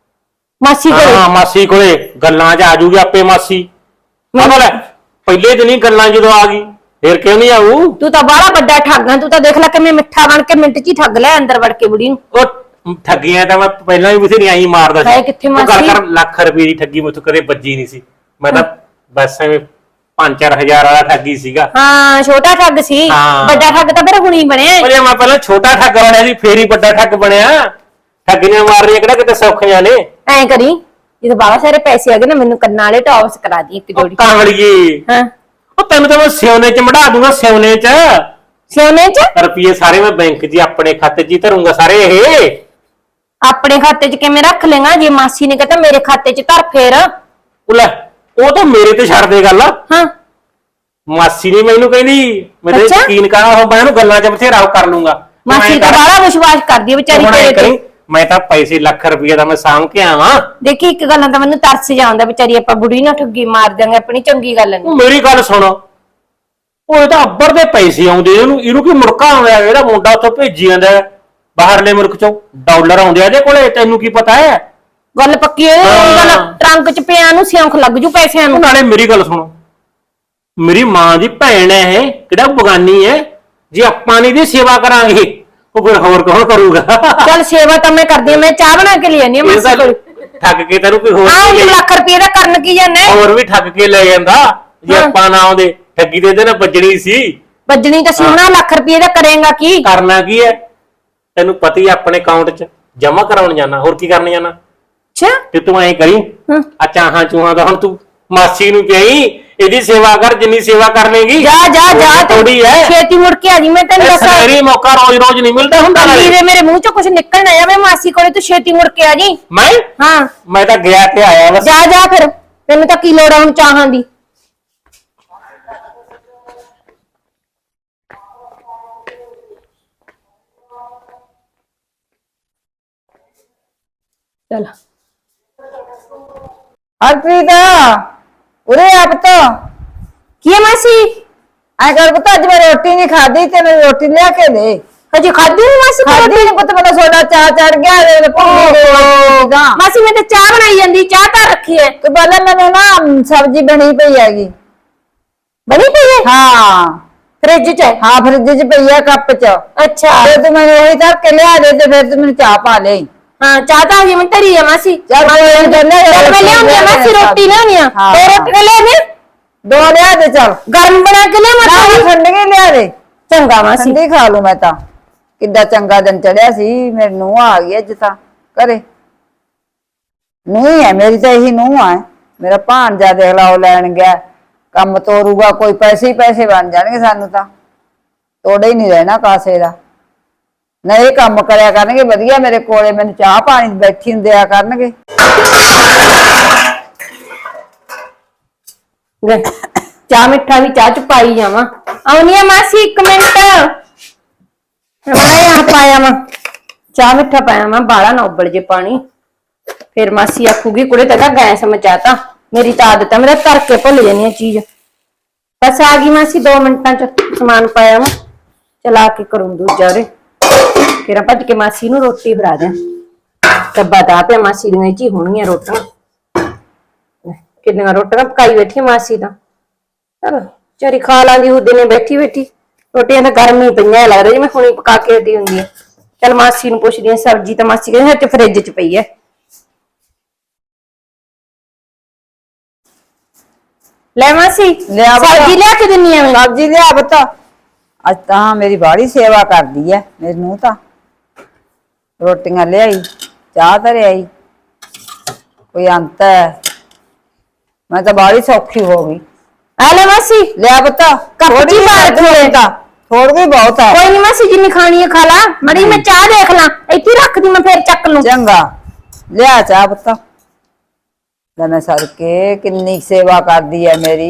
[SPEAKER 1] ਮਾਸੀ ਕੋਲੇ
[SPEAKER 2] ਹਾਂ ਮਾਸੀ ਕੋਲੇ ਗੱਲਾਂ 'ਚ ਆ ਜੂਗੀ ਆਪੇ ਮਾਸੀ। ਮੈਨੂੰ ਲੈ ਪਹਿਲੇ ਦਿਨ ਹੀ ਗੱਲਾਂ ਜਦੋਂ ਆ ਗਈ ਫਿਰ ਕਿਉਂ ਨਹੀਂ ਆਊ?
[SPEAKER 1] ਤੂੰ ਤਾਂ ਬਾਹਲਾ ਵੱਡਾ ਠੱਗ ਆ, ਤੂੰ ਤਾਂ ਦੇਖ ਲੈ ਕਿਵੇਂ ਮਿੱਠਾ ਬਣ ਕੇ ਮਿੰਟ 'ਚ ਹੀ ਠੱਗ ਲੈ ਅੰਦਰ ਵੜ ਕੇ ਬੁੜੀ ਨੂੰ।
[SPEAKER 2] ਉਹ ਠੱਗੀਆਂ ਤਾਂ ਮੈਂ ਪਹਿਲਾਂ ਵੀ ਬਥੇਰੀਆਂ ਹੀ ਮਾਰਦਾ ਸੀ।
[SPEAKER 1] ਹਾਏ ਕਿੱਥੇ
[SPEAKER 2] ਉਹ ਗੱਲ
[SPEAKER 1] ਮਾਸੀ?
[SPEAKER 2] ਕਰ ਲੱਖ ਰੁਪਏ ਦੀ ਠੱਗੀ ਮੈਥੋਂ ਕਦੇ ਵੱਜੀ ਨਹੀਂ ਸੀ। ਮੈਂ ਤਾਂ ਬਸ ਐਵੇਂ ਪੰਜ ਚਾਰ ਹਜ਼ਾਰ ਵਾਲਾ ਠੱਗੀ ਸੀਗਾ।
[SPEAKER 1] ਹਾਂ ਛੋਟਾ ਠੱਗ ਸੀ,
[SPEAKER 2] ਹਾਂ।
[SPEAKER 1] ਵੱਡਾ ਠੱਗ ਤਾਂ ਫਿਰ ਹੁਣੀ ਬਣਿਆ।
[SPEAKER 2] ਪਰ ਜੇ ਮੈਂ ਪਹਿਲਾਂ ਛੋਟਾ ਠੱਗ ਬਣਿਆ ਸੀ ਫੇਰ ਹੀ ਵੱਡਾ ਠੱਗ ਬਣਿਆ। ਠੱਗੀਆਂ ਮਾਰਨੀਆਂ ਕਿਹੜਾ ਕਿਤੇ ਸੌਖੀਆਂ ਨੇ।
[SPEAKER 1] ਐਂ ਕਰੀ ਜਦੋਂ ਬਾਬਾ ਸਾਰੇ ਪੈਸੇ ਆ ਗਏ ਨਾ, ਮੈਨੂੰ ਕੰਨਾਂ ਵਾਲੇ ਟੌਪਸ ਕਰਾ ਦੀ ਇੱਕ
[SPEAKER 2] ਉਹ
[SPEAKER 1] ਜੋੜੀ।
[SPEAKER 2] ਕਾਂਵੜੀਏ
[SPEAKER 1] ਹਾਂ
[SPEAKER 2] ਉਹ ਤੈਨੂੰ ਤਾਂ ਮੈਂ ਸਿਉਨੇ 'ਚ ਮੜਾ ਦੂੰਗਾ, ਸਿਉਨੇ 'ਚ
[SPEAKER 1] ਸੋਨੇ 'ਚ
[SPEAKER 2] ਰੁਪਏ ਸਾਰੇ ਮੈਂ ਬੈਂਕ 'ਚ ਹੀ ਆਪਣੇ ਖਾਤੇ 'ਚ ਹੀ ਧਰੂੰਗਾ ਸਾਰੇ। ਇਹ
[SPEAKER 1] ਆਪਣੇ ਖਾਤੇ 'ਚ ਕਿਵੇਂ ਰੱਖ ਲੇਗਾ? ਜੇ ਮਾਸੀ ਨੇ ਕਹਤਾ ਮੇਰੇ ਖਾਤੇ 'ਚ ਧਰ ਫੇਰ।
[SPEAKER 2] ਉਹ ਲੈ ਉਹ ਤਾਂ ਮੇਰੇ ਤੇ ਛੱਡ ਦੇ ਗੱਲ।
[SPEAKER 1] ਹਾਂ
[SPEAKER 2] ਮਾਸੀ ਨੇ ਮੈਨੂੰ ਕਹਿੰਦੀ ਮੇਰੇ
[SPEAKER 1] ਅੱਛਾ?
[SPEAKER 2] ਯਕੀਨ ਕਰਾ, ਉਹ ਮੈਂ ਉਹਨੂੰ ਗੱਲਾਂ 'ਚ ਬਥੇਰਾ ਉਹ ਕਰ ਲੂੰਗਾ।
[SPEAKER 1] ਮਾਸੀ ਤਾਂ ਬੜਾ ਵਿਸ਼ਵਾਸ ਕਰਦੀ ਹੈ ਵਿਚਾਰੀ
[SPEAKER 2] ਹੁਣ ਐਂ
[SPEAKER 1] ਤੇਰੇ ਤੇ।
[SPEAKER 2] ਕਰੀਂ, ਮੈਂ ਤਾਂ ਪੈਸੇ ਲੱਖ ਰੁਪਏ ਦਾ ਮੈਂ ਸਾਂਭ ਕੇ ਆਵਾਂ।
[SPEAKER 1] ਦੇਖੀ ਇੱਕ ਗੱਲ ਤਾਂ ਮੈਨੂੰ ਤਰਸ ਜਾਂਦਾ, ਵਿਚਾਰੀ ਆਪਾਂ ਬੁੜੀ ਨਾ ਠੱਗੀ ਮਾਰ ਦਿਆਂਗੇ, ਆਪਣੀ ਚੰਗੀ ਗੱਲ ਨਹੀਂ।
[SPEAKER 2] ਉਹ ਮੇਰੀ ਗੱਲ ਸੁਣ, ਉਹ ਇਹ ਤਾਂ ਅੱਬਰ ਦੇ ਪੈਸੇ ਆਉਂਦੇ, ਇਹਨੂੰ ਇਹਨੂੰ ਕੀ ਮੁੜਕਾ ਆਉਂਦਾ? ਜਿਹੜਾ ਮੁੰਡਾ ਉੱਥੋਂ ਭੇਜੀ ਜਾਂਦਾ ਹੈ ਬਾਹਰਲੇ ਮੁਲਕ ਚੋਂ, ਡਾਲਰ ਆਉਂਦੇ ਆ ਇਹਦੇ ਕੋਲੇ, ਤੈਨੂੰ ਕੀ ਪਤਾ ਹੈ?
[SPEAKER 1] ਗੱਲ ਪੱਕੀ ਹੈ। ਗੱਲ ਟਰੰਕ 'ਚ ਪਿਆ ਨੂੰ ਸਿਉਂਖ ਲੱਗ ਜੂ ਪੈਸਿਆਂ
[SPEAKER 2] ਉਹ
[SPEAKER 1] ਨੂੰ।
[SPEAKER 2] ਨਾਲੇ ਮੇਰੀ ਗੱਲ ਸੁਣ, ਮੇਰੀ ਮਾਂ ਦੀ ਭੈਣ ਹੈ ਇਹ, ਕਿਹੜਾ ਬਗਾਨੀ ਹੈ। ਜੇ ਆਪਾਂ ਨਹੀਂ ਦੀ ਸੇਵਾ ਕਰਾਂਗੇ ਉਹ ਫਿਰ ਹੋਰ ਕੌਣ ਕਰੂਗਾ?
[SPEAKER 1] ਚੱਲ ਸੇਵਾ ਤਾਂ ਮੈਂ ਕਰਦੀ ਹਾਂ, ਮੈਂ ਚਾਹ ਬਣਾ ਕੇ ਲੈ ਆਨੀ ਆ
[SPEAKER 2] ਇਹ
[SPEAKER 1] ਮਾਸੀ
[SPEAKER 2] ਤਾਂ
[SPEAKER 1] ਕੋਲ।
[SPEAKER 2] ਠੱਗ ਕੇ ਤੈਨੂੰ ਕੋਈ ਹੋਰ
[SPEAKER 1] ਆਹ
[SPEAKER 2] ਨਹੀਂ
[SPEAKER 1] ਇੱਕ
[SPEAKER 2] ਲੈ-
[SPEAKER 1] ਲੱਖ ਰੁਪਏ ਦਾ ਕਰਨ ਕੀ ਜਾਂਦੇ?
[SPEAKER 2] ਹੋਰ ਵੀ ਠੱਗ ਕੇ ਲੈ ਜਾਂਦਾ। ਜੇ
[SPEAKER 1] ਹਾਂ।
[SPEAKER 2] ਆਪਾਂ ਨਾ ਆਉਂਦੇ ਠੱਗੀ ਦੇ ਇਹਦੇ ਨਾਲ ਵੱਜਣੀ ਸੀ।
[SPEAKER 1] ਵੱਜਣੀ ਤਾਂ ਸੋਹਣਾ, ਲੱਖ ਰੁਪਏ ਦਾ ਕਰੇਗਾ ਕੀ?
[SPEAKER 2] ਕਰਨਾ ਕੀ ਹੈ ਤੈਨੂੰ ਪਤਾ ਹੀ, ਆਪਣੇ ਅਕਾਊਂਟ 'ਚ ਜਮਾ ਕਰਾਉਣ ਜਾਣਾ, ਹੋਰ ਕੀ ਕਰਨ ਜਾਣਾ।
[SPEAKER 1] ਅੱਛਾ
[SPEAKER 2] ਤੇ ਤੂੰ ਐਂ ਕਰੀ,
[SPEAKER 1] ਹਾਂ।
[SPEAKER 2] ਆ ਚਾਹਾਂ ਚੂਹਾਂ ਦਾ ਹੁਣ ਤੂੰ ਮਾਸੀ ਨੂੰ ਕਹੀ ਇਹਦੀ ਸੇਵਾ ਕਰ, ਜਿੰਨੀ ਸੇਵਾ ਕਰ ਲੇਗੀ।
[SPEAKER 1] ਜਾ ਜਾ ਜਾ
[SPEAKER 2] ਥੋੜੀ ਹੈ
[SPEAKER 1] ਛੇਤੀ ਮੁੜ ਕੇ ਆ ਜੀ, ਮੈਂ ਤੈਨੂੰ ਦੱਸਾਂ।
[SPEAKER 2] ਸਵੇਰੀ ਮੌਕਾ ਰੋਜ਼ ਰੋਜ਼ ਨਹੀਂ ਮਿਲਦਾ ਹੁੰਦਾ। ਨਾਲੇ
[SPEAKER 1] ਵੀਰੇ ਮੇਰੇ ਮੂੰਹ 'ਚੋਂ ਕੁਝ ਨਿਕਲ ਨਾ ਜਾਵੇ ਮਾਸੀ ਕੋਲੇ, ਤੂੰ ਛੇਤੀ ਮੁੜ ਕੇ ਆ ਜੀ।
[SPEAKER 2] ਮੈਂ
[SPEAKER 1] ਹਾਂ
[SPEAKER 2] ਮੈਂ ਤਾਂ ਗਿਆ ਤੇ ਆਇਆ ਬਸ।
[SPEAKER 1] ਜਾ ਜਾ ਫਿਰ, ਤੈਨੂੰ ਤਾਂ ਕੀ ਲੋੜ ਆ ਹੁਣ ਚਾਹਾਂ ਦੀ। ਚਲ
[SPEAKER 3] ਹਰਪ੍ਰੀਤ ਉਰੇ ਆਪ ਤਾਂ
[SPEAKER 1] ਕੀ ਹੈ ਮਾਸੀ?
[SPEAKER 3] ਐ ਕਰ ਪੁੱਤ, ਅੱਜ ਮੈਂ ਰੋਟੀ ਨਹੀਂ ਖਾਧੀ, ਤੈਨੂੰ ਰੋਟੀ ਲਿਆ ਕੇ ਦੇ।
[SPEAKER 1] ਹਜੇ ਖਾਧੀ ਨਹੀਂ ਮਾਸੀ ਕੋਲ?
[SPEAKER 3] ਖਾਧੀ ਨੀ ਪੁੱਤ, ਮੈਨੂੰ ਸੋਡਾ ਚਾਹ ਚੜ ਗਿਆ ਤੇ ਭੁੱਖੀ ਦੇ ਦਾ।
[SPEAKER 1] ਮਾਸੀ ਮੈਂ ਤਾਂ ਚਾਹ ਬਣਾਈ ਜਾਂਦੀ, ਚਾਹ ਤਾਂ ਰੱਖੀ ਹੈ।
[SPEAKER 3] ਤੇ ਪਹਿਲਾਂ ਮੈਨੂੰ ਨਾ ਸਬਜ਼ੀ ਬਣੀ ਪਈ ਹੈਗੀ।
[SPEAKER 1] ਬਣੀ ਪਈ ਹੈ?
[SPEAKER 3] ਹਾਂ
[SPEAKER 1] ਫ੍ਰਿਜ 'ਚ ਹੈ?
[SPEAKER 3] ਹਾਂ ਫਰਿੱਜ 'ਚ ਪਈ ਆ ਕੱਪ 'ਚ।
[SPEAKER 1] ਅੱਛਾ
[SPEAKER 3] ਤੇ ਤੂੰ ਮੈਨੂੰ ਉਹੀ ਧਰ ਕੇ ਲਿਆ ਦੇ ਤੇ ਫਿਰ ਤੂੰ ਮੈਨੂੰ ਚਾਹ ਪਾ ਲੈ।
[SPEAKER 1] ਹਾਂ ਚਾਹ ਤਾਂ ਹਜੇ ਮੈਂ ਧਰੀ ਆ ਮਾਸੀ।
[SPEAKER 3] ਚੱਲ ਕੋਈ ਨੀ, ਚੱਲ ਲੈ
[SPEAKER 1] ਚੱਲ ਮੈਂ ਲਿਆਉਂਦੀ ਆ ਮਾਸੀ, ਰੋਟੀ ਲਿਆਉਣੀ ਆ।
[SPEAKER 3] ਹਾਂ।
[SPEAKER 1] ਦੋ ਰੋਟੀਆਂ ਲਿਆਉਣੀ ਆ?
[SPEAKER 3] ਦੋ ਲਿਆ ਦੇ ਚੱਲ।
[SPEAKER 1] ਗਰਮ ਬਣਾ ਕੇ ਲਿਆ
[SPEAKER 3] ਨਾ
[SPEAKER 1] ਮਾਸੀ?
[SPEAKER 3] ਠੰਡੀ ਲਿਆ ਦੇ,
[SPEAKER 1] ਚੰਗਾ ਮਾਸੀ।
[SPEAKER 3] ਠੰਡੀ ਖਾ ਲੂ ਮੈਂ ਤਾਂ। ਕਿੱਦਾਂ ਚੰਗਾ ਦਿਨ ਚੜਿਆ ਸੀ, ਮੇਰੇ ਨੂੰਹ ਆ ਗਈ ਅੱਜ ਤਾਂ ਘਰੇ। ਨਹੀਂ ਹੈ ਮੇਰੀ ਤਾਂ ਇਹੀ ਨੂੰਹ ਆ ਮੇਰਾ ਭਾਣਜਾ ਦੇਖ ਲਾ ਉਹ ਲੈਣ ਗਿਆ ਕੰਮ ਤੋਰੂਗਾ ਕੋਈ ਪੈਸੇ ਹੀ ਪੈਸੇ ਬਣ ਜਾਣਗੇ ਸਾਨੂੰ ਤਾਂ ਤੋੜੇ ਹੀ ਨਹੀਂ ਰਹਿਣਾ ਕਾਸੇ ਦਾ ਨਾ ਇਹ ਕੰਮ ਕਰਿਆ ਕਰਨਗੇ ਵਧੀਆ ਮੇਰੇ ਕੋਲੇ ਮੈਨੂੰ ਚਾਹ ਪਾਣੀ ਬੈਠੀ ਨੂੰ ਦਿਆ ਕਰਨਗੇ
[SPEAKER 1] ਲੈ, ਚਾਹ ਮਿੱਠਾ ਵੀ ਚਾਹ ਚ ਪਾਈ ਜਾਵਾਂ ਆਉਣੀ ਆ ਮਾਸੀ ਇੱਕ ਮਿੰਟ ਮੈਂ ਆ ਪਾਇਆ ਵਾ ਚਾਹ ਮਿੱਠਾ ਪਾਇਆ ਵਾ ਬਾਲਾ ਨਾ ਉਬਲ ਜੇ ਪਾਣੀ ਫਿਰ ਮਾਸੀ ਆਖੂਗੀ ਕੁੜੇ ਤਾਂ ਗੈਸ ਮਚਾਤਾ ਮੇਰੀ ਤਾਂ ਆਦਤ ਹੈ ਮੇਰਾ ਧਰ ਕੇ ਭੁੱਲ ਜਾਂਦੀ ਆ ਚੀਜ਼ ਬਸ ਆ ਗਈ ਮਾਸੀ ਦੋ ਮਿੰਟਾਂ ਚ ਸਮਾਨ ਪਾਇਆ ਵਾ ਚਲਾ ਕੇ ਕਰੂੰ ਦੂਜਾ ਰੇ ਫਿਰ ਭੱਜ ਕੇ ਮਾਸੀ ਨੂੰ ਰੋਟੀ ਫੜਾ ਦਿਆਂ ਡੱਬਾ ਤਾਂ ਪਿਆ ਮਾਸੀ ਦੀਆਂ ਚ ਹੀ ਹੋਣਗੀਆਂ ਰੋਟੀਆਂ ਕਿੰਨੀਆਂ ਰੋਟੀਆਂ ਪਕਾਈ ਬੈਠੀ ਮਾਸੀ ਤਾਂ ਚਲੋ ਚਰੀ ਖਾ ਲਾਂਦੀ ਉਹਦੇ ਨੇ ਬੈਠੀ ਬੈਠੀ ਰੋਟੀਆਂ ਤਾਂ ਗਰਮੀ ਪਈਆਂ ਲੱਗ ਰਹੀ ਜਿਵੇਂ ਹੁਣੀ ਪਕਾ ਕੇ ਹਟੀ ਹੁੰਦੀ ਹੈ ਚਲ ਮਾਸੀ ਨੂੰ ਪੁੱਛਦੀ ਆ ਸਬਜ਼ੀ ਤਾਂ ਮਾਸੀ ਕਹਿੰਦੇ ਹੱਥ ਫਰਿੱਜ 'ਚ ਪਈ ਹੈ ਲੈ ਮਾਸੀ
[SPEAKER 3] ਲਿਆ ਬਤਾ।
[SPEAKER 1] ਸਬਜ਼ੀ ਲਿਆ ਕੇ ਦਿੰਨੀ ਆ ਮੈਂ
[SPEAKER 3] ਸਬਜ਼ੀ ਲਿਆ ਬਤਾ ਅੱਜ ਤਾਂ ਮੇਰੀ ਬਾੜੀ ਸੇਵਾ ਕਰਦੀ ਐ ਮੇਰੀ ਨੂੰਹ ਤਾਂ ਰੋਟੀਆਂ ਲਿਆਈ ਚਾਹ ਧਰਿਆਈ ਕੋਈ ਅੰਤ ਹੈ ਮੈਂ ਤਾਂ ਬਾੜੀ ਸੌਖੀ ਹੋ ਗਈ
[SPEAKER 1] ਆ ਲੈ ਮਾਸੀ
[SPEAKER 3] ਲਿਆ ਬਤਾ
[SPEAKER 1] ਕੱਚੀ ਮਾਰ ਥੋੜੇ
[SPEAKER 3] ਤਾਂ ਥੋੜ ਵੀ ਬਹੁਤ ਹੈ
[SPEAKER 1] ਕੋਈ ਨਹੀਂ ਮਾਸੀ ਜਿੰਨੀ ਖਾਣੀ ਹੈ ਖਾ ਲਾ ਮੜੀ ਮੈਂ ਚਾਹ ਦੇਖ ਲਾਂ ਇੱਥੇ ਹੀ ਰੱਖ ਦੀ ਮੈਂ ਫੇਰ ਚੱਕ ਲੂੰ
[SPEAKER 3] ਚੰਗਾ ਲਿਆ ਚਾਹ ਬਤਾ ਲੈ ਮੈਂ ਸਦਕੇ ਕਿੰਨੀ ਸੇਵਾ ਕਰਦੀ ਐ ਮੇਰੀ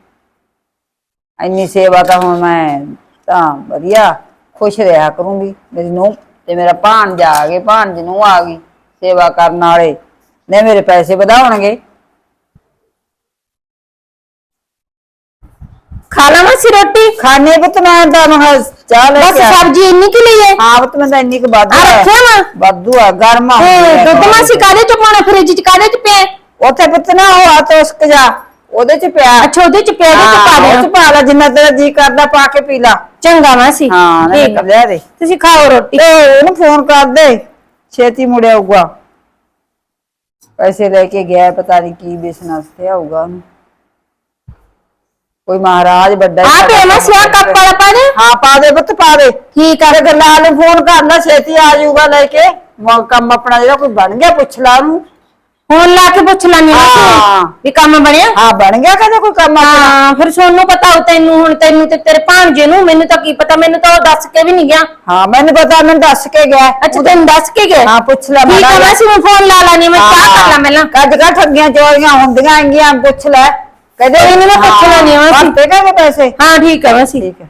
[SPEAKER 3] ਇੰਨੀ ਸੇਵਾ ਤਾਂ ਹੁਣ ਮੈਂ ਤਾਂ ਵਧੀਆ ਖੁਸ਼ ਰਿਹਾ ਕਰੂੰਗੀ ਮੇਰੀ ਨੂੰਹ ਤੇ ਮੇਰਾ ਭਾਣਜਾ ਆ ਗਏ ਭਾਣਜ ਨੂੰ ਆ ਗਈ ਸੇਵਾ ਕਰਨ ਵਾਲੇ ਨੇ ਮੇਰੇ ਪੈਸੇ ਵਧਾਉਣਗੇ
[SPEAKER 1] ਖਾ ਲਾ ਮਾਸੀ ਰੋਟੀ
[SPEAKER 3] ਖਾਣੇ ਪੁੱਤ ਮੈਂ ਤਾਂ ਮੈਂ ਚਾਹ ਲੈ
[SPEAKER 1] ਬਸ
[SPEAKER 3] ਕੇ ਆ
[SPEAKER 1] ਸਬਜ਼ੀ ਇੰਨੀ ਕਿ ਲਈ ਹੈ
[SPEAKER 3] ਹਾਂ ਪੁੱਤ ਮੈਂ ਤਾਂ ਇੰਨੀ ਕੁ ਵਾਧੂ
[SPEAKER 1] ਆ
[SPEAKER 3] ਹੈ
[SPEAKER 1] ਰੱਖਿਆ ਵਾ
[SPEAKER 3] ਵਾਧੂ ਆ ਗਰਮਾ
[SPEAKER 1] ਤੇ ਦੁੱਧ ਮਾਸੀ ਕਾਦੇ ਚ ਪਾਉਣਾ ਫਰਿੱਜ ਚ ਕਾਦੇ ਚ ਪਿਆ
[SPEAKER 3] ਉੱਥੇ ਪੁੱਤ ਨਾ ਉਹ ਆ ਤੋਸਕ ਜਾ ਉਹਦੇ ਚ ਪਿਆ
[SPEAKER 1] ਅੱਛਾ ਉਹਦੇ ਚ ਪਿਆ ਉਹਦੇ ਚ ਪਾ
[SPEAKER 3] ਹਾਂ, ਉਹ
[SPEAKER 1] ਦੇਣਾ
[SPEAKER 3] ਚ ਪਾ ਲੈ ਜਿੰਨਾ ਤੇਰਾ ਜੀ ਕਰਦਾ ਪਾ ਕੇ ਪੀ ਲਾ
[SPEAKER 1] ਚੰਗਾ ਮਾਸੀ
[SPEAKER 3] ਹਾਂ ਨਾ
[SPEAKER 1] ਠੀਕ ਆ।
[SPEAKER 3] ਲਿਆ ਦੇ
[SPEAKER 1] ਤੁਸੀਂ ਖਾਓ ਰੋਟੀ
[SPEAKER 3] ਤੇ ਉਹਨੂੰ ਫੋਨ ਕਰ ਦੇ ਛੇਤੀ ਮੁੜਿਆ ਆਊਗਾ ਪੈਸੇ ਲੈ ਕੇ ਗਿਆ ਪਤਾ ਨਹੀਂ ਕੀ ਬਿਜ਼ਨਸ ਤੇ ਆਊਗਾ ਉਹਨੂੰ ਕੋਈ ਮਹਾਰਾਜ ਵੱਡਾ
[SPEAKER 1] ਆ ਪਿਆ ਮਾਸੀ ਆ ਕੱਪ ਵਾਲਾ ਪਾ ਦੇ
[SPEAKER 3] ਹਾਂ ਪਾ ਦੇ ਪੁੱਤ ਪਾ ਦੇ
[SPEAKER 1] ਠੀਕ ਆ
[SPEAKER 3] ਤੇ ਗੱਲਾਂ ਨੂੰ ਫੋਨ ਕਰਨਾ ਛੇਤੀ ਆ ਜਾਊਗਾ ਲੈ ਕੇ ਮ- ਕੰਮ ਆਪਣਾ ਜਿਹੜਾ ਕੋਈ ਬਣ ਗਿਆ ਪੁੱਛ ਲਾ ਉਹਨੂੰ
[SPEAKER 1] ਹੁਣ ਲਾ ਕੇ ਪੁੱਛ ਲੈਣੀ
[SPEAKER 3] ਹਾਂ।
[SPEAKER 1] ਮਾਸੀ ਵੀ ਕੰਮ ਬਣਿਆ
[SPEAKER 3] ਹਾਂ ਬਣ ਗਿਆ ਕਦੇ ਕੋਈ ਕੰਮ ਆਪਣਾ
[SPEAKER 1] ਹਾਂ ਫਿਰ ਸੋਨੂੰ ਪਤਾ ਹੋ ਤੈਨੂੰ ਹੁਣ ਤੈਨੂੰ ਤੇ ਤੇਰੇ ਭਾਣਜੇ ਨੂੰ ਮੈਨੂੰ ਤਾਂ ਕੀ ਪਤਾ ਮੈਨੂੰ ਤਾਂ ਉਹ ਦੱਸ ਕੇ ਵੀ ਨਹੀਂ ਗਿਆ
[SPEAKER 3] ਹਾਂ ਮੈਨੂੰ ਪਤਾ ਮੈਨੂੰ ਦੱਸ ਕੇ ਗਿਆ
[SPEAKER 1] ਅੱਛਾ ਤੈਨੂੰ ਦੱਸ ਕੇ ਗਿਆ
[SPEAKER 3] ਹਾਂ ਪੁੱਛ ਲੈ
[SPEAKER 1] ਠੀਕ ਆ ਮਾਸੀ ਮੈਂ ਫੋਨ ਲਾ ਲਾਨੀ ਮੈਂ ਚਾਹ ਕਰ ਲਾਂ ਪਹਿਲਾਂ
[SPEAKER 3] ਕੱਜ ਕਾ ਠੱਗੀਆਂ ਚੋਰੀਆਂ ਹੁੰਦੀਆਂ ਹੈਗੀਆਂ ਪੁੱਛ ਲੈ ਕਦੇ
[SPEAKER 1] ਕੋਈ ਨੀ, ਮੈਂ ਪੁੱਛ ਲੈਣੀ ਆ ਮਾਸੀ।
[SPEAKER 3] ਤੇ ਕਹਿੰਦੇ ਪੈਸੇ
[SPEAKER 1] ਹਾਂ ਠੀਕ ਹੈ ਮਾਸੀ
[SPEAKER 3] ਠੀਕ ਹੈ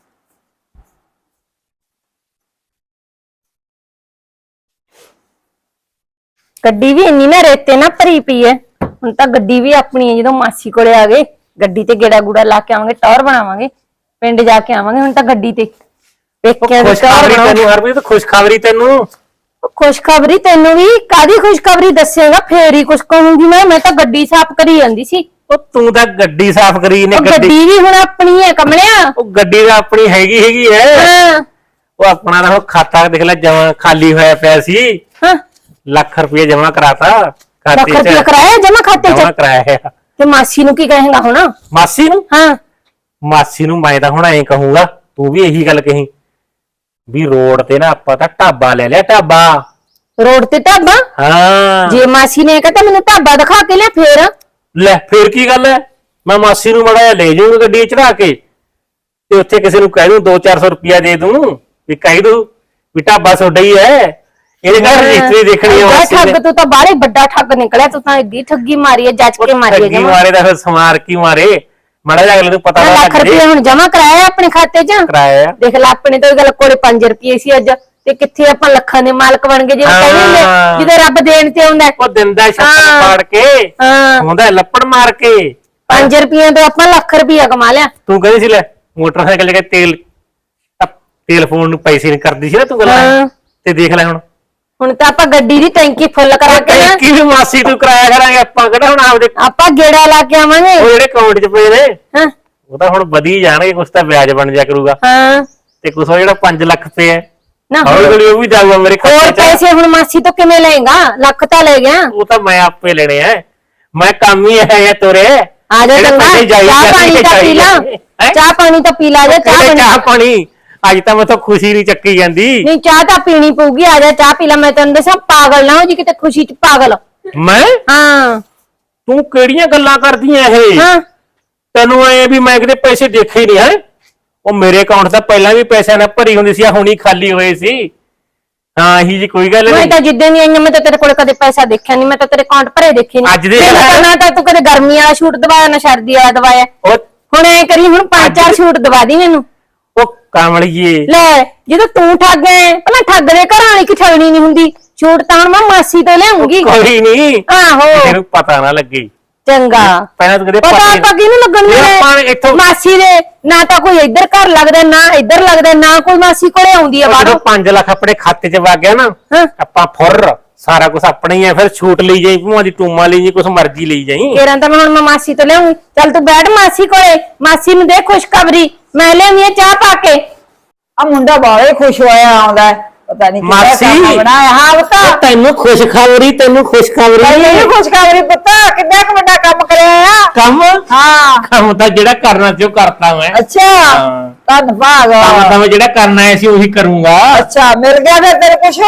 [SPEAKER 1] ਗੱਡੀ ਵੀ ਇੰਨੀ ਨਾ ਰੇਤੇ ਨਾ ਭਰੀ ਪਈ ਐ ਹੁਣ ਤਾਂ ਗੱਡੀ ਵੀ ਆਪਣੀ ਹੈ ਜਦੋਂ ਮਾਸੀ ਕੋਲੇ ਆ ਗਏ ਗੱਡੀ ਤੇ ਗੇੜਾ ਗੂੜਾ ਲਾ ਕੇ ਆਵਾਂਗੇ ਟੌਰ ਬਣਾਵਾਂਗੇ ਪਿੰਡ ਜਾ ਕੇ ਆਵਾਂਗੇ ਹੁਣ ਤਾਂ ਗੱਡੀ ਤੇ ਵੇਖਿਆ ਵੀ ਟੌਰ
[SPEAKER 2] ਖੁਸ਼ਖਬਰੀ
[SPEAKER 1] ਬਣਾਓ।
[SPEAKER 2] ਤੈਨੂੰ ਹਰਪ੍ਰੀਤ ਖੁਸ਼ਖਬਰੀ ਤੈਨੂੰ
[SPEAKER 1] ਖੁਸ਼ਖਬਰੀ ਤੈਨੂੰ ਵੀ ਕਾਦੀ ਖੁਸ਼ਖਬਰੀ ਦੱਸੇਗਾ ਫੇਰ ਹੀ ਕੁਛ ਕਹੂੰਗੀ ਮੈਂ ਮੈਂ ਤਾਂ ਗੱਡੀ ਸਾਫ਼ ਕਰੀ ਜਾਂਦੀ ਸੀ
[SPEAKER 2] ਉਹ ਤੂੰ ਤਾਂ ਗੱਡੀ ਸਾਫ਼ ਕਰੀ ਨੇ
[SPEAKER 1] ਉਹ
[SPEAKER 2] ਗੱਡੀ
[SPEAKER 1] ਗੱਡੀ ਵੀ ਹੁਣ ਆਪਣੀ ਹੈ ਕਮਲਿਆ
[SPEAKER 2] ਉਹ ਗੱਡੀ ਤਾਂ ਆਪਣੀ ਹੈਗੀ ਹੈਗੀ ਐ
[SPEAKER 1] ਹਾਂ
[SPEAKER 2] ਉਹ ਆਪਣਾ ਤਾਂ ਹੁਣ ਖਾਤਾ ਦੇਖ ਲੈ ਜਮਾ ਖਾਲੀ ਹੋਇਆ ਪਿਆ ਸੀ
[SPEAKER 1] ਹਾਂ
[SPEAKER 2] ਲੱਖ ਰੁਪਏ ਜਮਾ ਕਰਾਤਾ
[SPEAKER 1] ਲੱਖ
[SPEAKER 2] ਖਾਤੇ
[SPEAKER 1] ਰੁਪਇਆ
[SPEAKER 2] ਚ
[SPEAKER 1] ਕਰਾਇਆ ਜਮਾ ਖਾਤੇ
[SPEAKER 2] ਜਮਾ
[SPEAKER 1] ਚ
[SPEAKER 2] ਕਰਾਇਆ ਹੈ।
[SPEAKER 1] ਤੇ ਮਾਸੀ ਨੂੰ ਕੀ ਕਹੇਗਾ ਹੁਣ
[SPEAKER 2] ਮਾਸੀ ਨੂੰ
[SPEAKER 1] ਹਾਂ
[SPEAKER 2] ਮਾਸੀ ਨੂੰ ਮੈਂ ਤਾਂ ਹੁਣ ਐਂ ਕਹੂੰਗਾ ਤੂੰ ਵੀ ਇਹੀ ਗੱਲ ਕਹੀ ਵੀ ਰੋਡ ਤੇ ਨਾ ਆਪਾਂ ਤਾਂ ਢਾਬਾ ਲੈ ਲਿਆ ਢਾਬਾ
[SPEAKER 1] ਰੋਡ ਤੇ ਢਾਬਾ
[SPEAKER 2] ਹਾਂ
[SPEAKER 1] ਜੇ ਮਾਸੀ ਨੇ ਕਹਤਾ ਮੈਨੂੰ ਢਾਬਾ ਦਿਖਾ ਕੇ ਲਿਆ ਫੇਰ
[SPEAKER 2] ਲੈ ਫੇਰ ਕੀ ਗੱਲ ਹੈ ਮੈਂ ਮਾਸੀ ਨੂੰ ਮੜਾ ਲੈ ਜਾਊਂਗਾ ਗੱਡੀ 'ਚ ਚੜਾ ਕੇ ਤੇ ਉੱਥੇ ਕਿਸੇ ਨੂੰ ਕਹਿ ਦੂੰ ਦੋ ਚਾਰ ਸੌ ਰੁਪਇਆ ਦੇ ਦੂੰ ਵੀ ਕਹਿ ਦੂੰ ਵੀ ਢਾਬਾ ਤੁਹਾਡਾ ਹੀ ਹੈ ਇਹਦੇ ਘਰ ਰਜਿਸਟਰੀ ਦੇਖਣੀ ਹੈ
[SPEAKER 1] ਐਡਾ
[SPEAKER 2] ਮਾਸੀ
[SPEAKER 1] ਠੱਗ
[SPEAKER 2] ਨੇ
[SPEAKER 1] ਤੂੰ ਤਾਂ ਬਾਹਲੇ ਵੱਡਾ ਠੱਗ ਨਿਕਲਿਆ ਤੂੰ ਤਾਂ ਏਡੀ ਠੱਗੀ ਮਾਰੀ ਹੈ ਜੱਜ ਕੇ ਮਾਰੀ ਹੈ
[SPEAKER 2] ਠੱਗੀ
[SPEAKER 1] ਜਮਾ
[SPEAKER 2] ਮਾਰੇ ਦਾ ਫਿਰ ਸਮਾਰ ਕੀ ਮਾਰੇ ਮੜਾ ਜਾ ਅਗਲੇ ਨੂੰ ਪਤਾ ਨਾ
[SPEAKER 1] ਲੱਖ
[SPEAKER 2] ਲੱਗ
[SPEAKER 1] ਰੁਪਏ
[SPEAKER 2] ਜੇ
[SPEAKER 1] ਹੁਣ ਜਮਾ ਕਰਾਇਆ ਆਪਣੇ ਖਾਤੇ 'ਚ
[SPEAKER 2] ਕਰਾਇਆ
[SPEAKER 1] ਦੇਖ ਲੈ ਆਪਣੇ ਤੋਂ ਇਹ ਗੱਲ ਕੋਲੇ ਪੰਜ ਰੁਪਏ ਸੀ ਅੱਜ ਤੇ ਕਿੱਥੇ ਆਪਾਂ ਲੱਖਾਂ ਦੇ ਮਾਲਕ ਬਣ ਗਏ ਜਿਵੇਂ ਕਹਿੰਦੇ ਹੁੰਦੇ
[SPEAKER 2] ਹਾਂ।
[SPEAKER 1] ਜਿਹਦੇ ਰੱਬ ਦੇਣ ਤੇ ਆਉਂਦਾ
[SPEAKER 2] ਉਹ ਦਿੰਦਾ ਛੱਪੜ
[SPEAKER 1] ਹਾਂ।
[SPEAKER 2] ਪਾੜ ਕੇ
[SPEAKER 1] ਹਾਂ
[SPEAKER 2] ਹੁੰਦਾ ਲੱਪੜ ਮਾਰ ਕੇ
[SPEAKER 1] ਪੰਜ ਰੁਪਈਆਂ ਤੋਂ ਆਪਾਂ ਲੱਖ ਰੁਪਈਆ ਕਮਾ ਲਿਆ
[SPEAKER 2] ਤੂੰ ਕਹਿੰਦੀ ਸੀ ਲੈ ਮੋਟਰਸਾਈਕਲ ਲੈ ਕੇ ਤੇਲ ਅਹ ਤੇਲ ਫੋਨ ਨੂੰ ਪੈਸੇ ਨਹੀਂ ਕਰਦੀ ਸੀ ਨਾ ਤੂੰ ਗੱਲ
[SPEAKER 1] ਹਾਂ।
[SPEAKER 2] ਤੇ ਦੇਖ ਲੈ ਹੁਣ
[SPEAKER 1] ਹੁਣ ਤਾਂ ਆਪਾਂ ਗੱਡੀ ਦੀ ਟੈਂਕੀ ਫੁੱਲ ਕਰਾ ਕੇ ਨਾ
[SPEAKER 2] ਕੀ ਵੀ ਮਾਸੀ ਤੂੰ ਕਰਾਇਆ ਕਰਾਂਗੇ ਆਪਾਂ ਕਿਹੜਾ ਹੁਣ ਆਪਦੇ
[SPEAKER 1] ਆਪਾਂ ਗੇੜਾ ਲਾ ਕੇ ਆਵਾਂਗੇ
[SPEAKER 2] ਉਹ ਜਿਹੜੇ ਅਕਾਊਂਟ 'ਚ ਪਏ ਨੇ
[SPEAKER 1] ਹਾਂ
[SPEAKER 2] ਉਹ ਤਾਂ ਹੁਣ ਵਧੀ ਜਾਣਗੇ ਕੁਛ ਤਾਂ ਵਿਆਜ ਬਣ ਜਾ ਕਰੂਗਾ
[SPEAKER 1] ਹਾਂ
[SPEAKER 2] ਤੇ ਕੁਛ ਉਹ ਜਿਹੜਾ ਪੰਜ ਲੱਖ ਰੁਪਏ ਹੈ
[SPEAKER 1] ਨਾ
[SPEAKER 2] ਹੌਲੀ ਹੌਲੀ ਉਹ ਵੀ ਜਾਊਗਾ ਮੇਰੇ
[SPEAKER 1] ਹੋਰ
[SPEAKER 2] ਖਾਤੇ 'ਚ
[SPEAKER 1] ਪੈਸੇ ਹੁਣ ਮਾਸੀ ਤੋਂ ਕਿਵੇਂ ਲਏਗਾ ਲੱਖ ਤਾਂ ਲੈ ਗਿਆ
[SPEAKER 2] ਉਹ ਤਾਂ ਮੈਂ ਆਪੇ ਲੈਣੇ ਆ ਮੈਂ ਕੰਮ ਹੀ ਹੈ ਇਹ ਤੋਰੇ
[SPEAKER 1] ਆ ਜਾ
[SPEAKER 2] ਜਿਹੜੇ
[SPEAKER 1] ਚੰਗਾ
[SPEAKER 2] ਪੈਸੇ ਜਾਈ
[SPEAKER 1] ਚਾਹ
[SPEAKER 2] ਜਾਂਦੇ
[SPEAKER 1] ਪਾਣੀ ਤਾਂ ਪੀ ਲਾ
[SPEAKER 2] ਹੈਂ?
[SPEAKER 1] ਚਾਹ ਪਾਣੀ ਤਾਂ ਪੀ ਲਾ ਜਾ ਚਾਹ
[SPEAKER 2] ਕਿਹੜੇ
[SPEAKER 1] ਪਾਣੀ
[SPEAKER 2] ਚਾਹ ਪਾਣੀ ਅੱਜ ਤਾਂ ਮੈਥੋਂ ਖੁਸ਼ੀ ਨਹੀਂ ਚੱਕੀ ਜਾਂਦੀ
[SPEAKER 1] ਨਹੀਂ ਚਾਹ ਤਾਂ ਪੀਣੀ ਪਊਗੀ ਆ ਜਾ ਚਾਹ ਪੀ ਲਾ ਮੈਂ ਤੈਨੂੰ ਦੱਸਾਂ ਪਾਗਲ ਨਾ ਹੋ ਜੀ ਕਿਤੇ ਖੁਸ਼ੀ ਚ ਪਾਗਲ
[SPEAKER 2] ਮੈਂ
[SPEAKER 1] ਹਾਂ
[SPEAKER 2] ਤੂੰ ਕਿਹੜੀਆਂ ਗੱਲਾਂ ਕਰਦੀਆਂ ਇਹ
[SPEAKER 1] ਹਾਂ
[SPEAKER 2] ਤੈਨੂੰ ਐ ਵੀ ਮੈਂ ਕਿਤੇ ਪੈਸੇ ਦੇਖੇ ਨਹੀਂ ਹੈ ਉਹ ਮੇਰੇ ਅਕਾਊਂਟ ਤਾਂ ਪਹਿਲਾਂ ਵੀ ਪੈਸਿਆਂ ਨਾਲ ਭਰੀ ਹੁੰਦੀ ਸੀ ਆ ਹੁਣੀ ਖਾਲੀ ਹੋਏ ਸੀ ਹਾਂ ਇਹੀ ਜੀ ਕੋਈ ਗੱਲ
[SPEAKER 1] ਮੈਂ
[SPEAKER 2] ਨਹੀਂ
[SPEAKER 1] ਤਾਂ ਜਿੱਦਾਂ ਦੀ ਆਈਆਂ ਮੈਂ ਤਾਂ ਤੇਰੇ ਕੋਲ ਕਦੇ ਪੈਸਾ ਦੇਖਿਆ ਨਹੀਂ ਮੈਂ ਤਾਂ ਤੇਰੇ ਅਕਾਊਂਟ ਭਰੇ ਦੇਖੇ ਨਹੀਂ
[SPEAKER 2] ਅੱਜ ਦੇ
[SPEAKER 1] ਤੈਨੂੰ
[SPEAKER 2] ਹਾਲਾਤ-
[SPEAKER 1] ਤਾਂ ਨਾ ਤਾਂ ਤੂੰ ਕਦੇ ਗਰਮੀ ਵਾਲਾ ਸ਼ੂਟ ਦਵਾਇਆ ਨਾ ਸਰਦੀ ਵਾਲਾ ਦਵਾਇਆ
[SPEAKER 2] ਉਹ
[SPEAKER 1] ਹੁਣ ਐ ਕਰੀ ਹੁਣ ਪੰਜ
[SPEAKER 2] ਅੱਜ
[SPEAKER 1] ਚਾਰ
[SPEAKER 2] ਦੇ-
[SPEAKER 1] ਸ਼ੂਟ ਦਵਾ ਦੀ ਮੈਨੂੰ
[SPEAKER 2] ਉਹ ਕਮਲੀਏ
[SPEAKER 1] ਲੈ ਜਦੋਂ ਤੂੰ ਠੱਗ ਐ ਪਹਿਲਾਂ ਠੱਗ ਦੇ ਘਰਾਂ ਵਾਲੀ ਕਿ ਠਗਣੀ ਨਹੀਂ ਹੁੰਦੀ ਸ਼ੂਟ ਤਾਂ ਹੁਣ ਮੈਂ ਮਾਸੀ ਤੋਂ ਲਿਆਉਂਗੀ
[SPEAKER 2] ਕੋਈ ਨਹੀਂ
[SPEAKER 1] ਆਹੋ
[SPEAKER 2] ਤੈਨੂੰ ਪਤਾ ਨਾ ਲੱਗੇ
[SPEAKER 1] ਚੰਗਾ
[SPEAKER 2] ਪਹਿਲਾਂ ਤਾਂ ਕਦੇ
[SPEAKER 1] ਪਤਾ
[SPEAKER 2] ਪਤਾ
[SPEAKER 1] ਆਪਾਂ ਕਿਹਨੂੰ ਲੱਗਣ
[SPEAKER 2] ਇਹ ਆਪਾਂ
[SPEAKER 1] ਦੇ
[SPEAKER 2] ਇੱਥੋਂ-
[SPEAKER 1] ਮਾਸੀ ਦੇ ਨਾ ਤਾਂ ਕੋਈ ਇੱਧਰ ਘਰ ਲੱਗਦਾ ਨਾ ਇੱਧਰ ਲੱਗਦਾ ਨਾ ਕੋਈ ਮਾਸੀ ਕੋਲੇ ਆਉਂਦੀ ਆ
[SPEAKER 2] ਜਦੋਂ
[SPEAKER 1] ਬਾਹਰੋਂ
[SPEAKER 2] ਪੰਜ ਲੱਖ ਆਪਣੇ ਖਾਤੇ 'ਚ ਵਗ ਗਿਆ ਨਾ
[SPEAKER 1] ਹਾਂ।
[SPEAKER 2] ਆਪਾਂ ਫੁਰ ਸਾਰਾ ਕੁਝ ਆਪਣਾ ਹੀ ਆ ਫਿਰ ਛੂਟ ਲਈ ਜਾਈ ਭੂਆ ਦੀ ਟੂਮਾ ਲਈ ਜਾਈ ਕੁਝ ਮਰਜ਼ੀ ਲਈ ਜਾਈ
[SPEAKER 1] ਤੇਰਾਂ ਤਾਂ ਮੈਂ ਹੁਣ ਮੈਂ ਮਾਸੀ ਤੋਂ ਲਿਆਉਂਗੀ ਚੱਲ ਤੂੰ ਬੈਠ ਮਾਸੀ ਕੋਲੇ ਮਾਸੀ ਨੂੰ ਦੇ ਖੁਸ਼ਖਬਰੀ ਮੈਂ ਲਿਆਉਂਦੀ ਆ ਚਾਹ ਪਾ ਕੇ
[SPEAKER 3] ਆ ਮੁੰਡਾ ਬਾਹਲੇ ਖੁਸ਼ ਹੋਇਆ ਆਉਂਦਾ ਹੈ। ਪਤਾ ਨਹੀਂ
[SPEAKER 2] ਮਾਸੀ।
[SPEAKER 3] ਬਣਾਇਆ ਹਾਂ ਬਤਾ
[SPEAKER 2] ਤੈਨੂੰ ਖੁਸ਼ਖਬਰੀ ਤੈਨੂੰ ਖੁਸ਼ਖਬਰੀ
[SPEAKER 3] ਪਹਿਲੇ ਖੁਸ਼ਖਬਰੀ ਪਤਾ ਕਿੰਨਾ ਕੁ ਵੱਡਾ ਕੰਮ ਕਰਿਆ ਆ
[SPEAKER 2] ਕੰਮ
[SPEAKER 3] ਹਾਂ
[SPEAKER 2] ਕੰਮ ਤਾਂ ਜਿਹੜਾ ਕਰਨਾ ਸੀ ਉਹ ਕਰਤਾ ਮੈਂ
[SPEAKER 3] ਅੱਛਾ
[SPEAKER 2] ਹਾਂ।
[SPEAKER 3] ਧੰਨਵਾਦ
[SPEAKER 2] ਕੰਮ ਤਾਂ ਮੈਂ ਜਿਹੜਾ ਕਰਨਾ ਹੈ ਸੀ ਉਹੀ ਕਰੂੰਗਾ
[SPEAKER 3] ਅੱਛਾ ਮਿਲ ਗਿਆ ਫਿਰ ਤੇਰੇ ਕੁਛ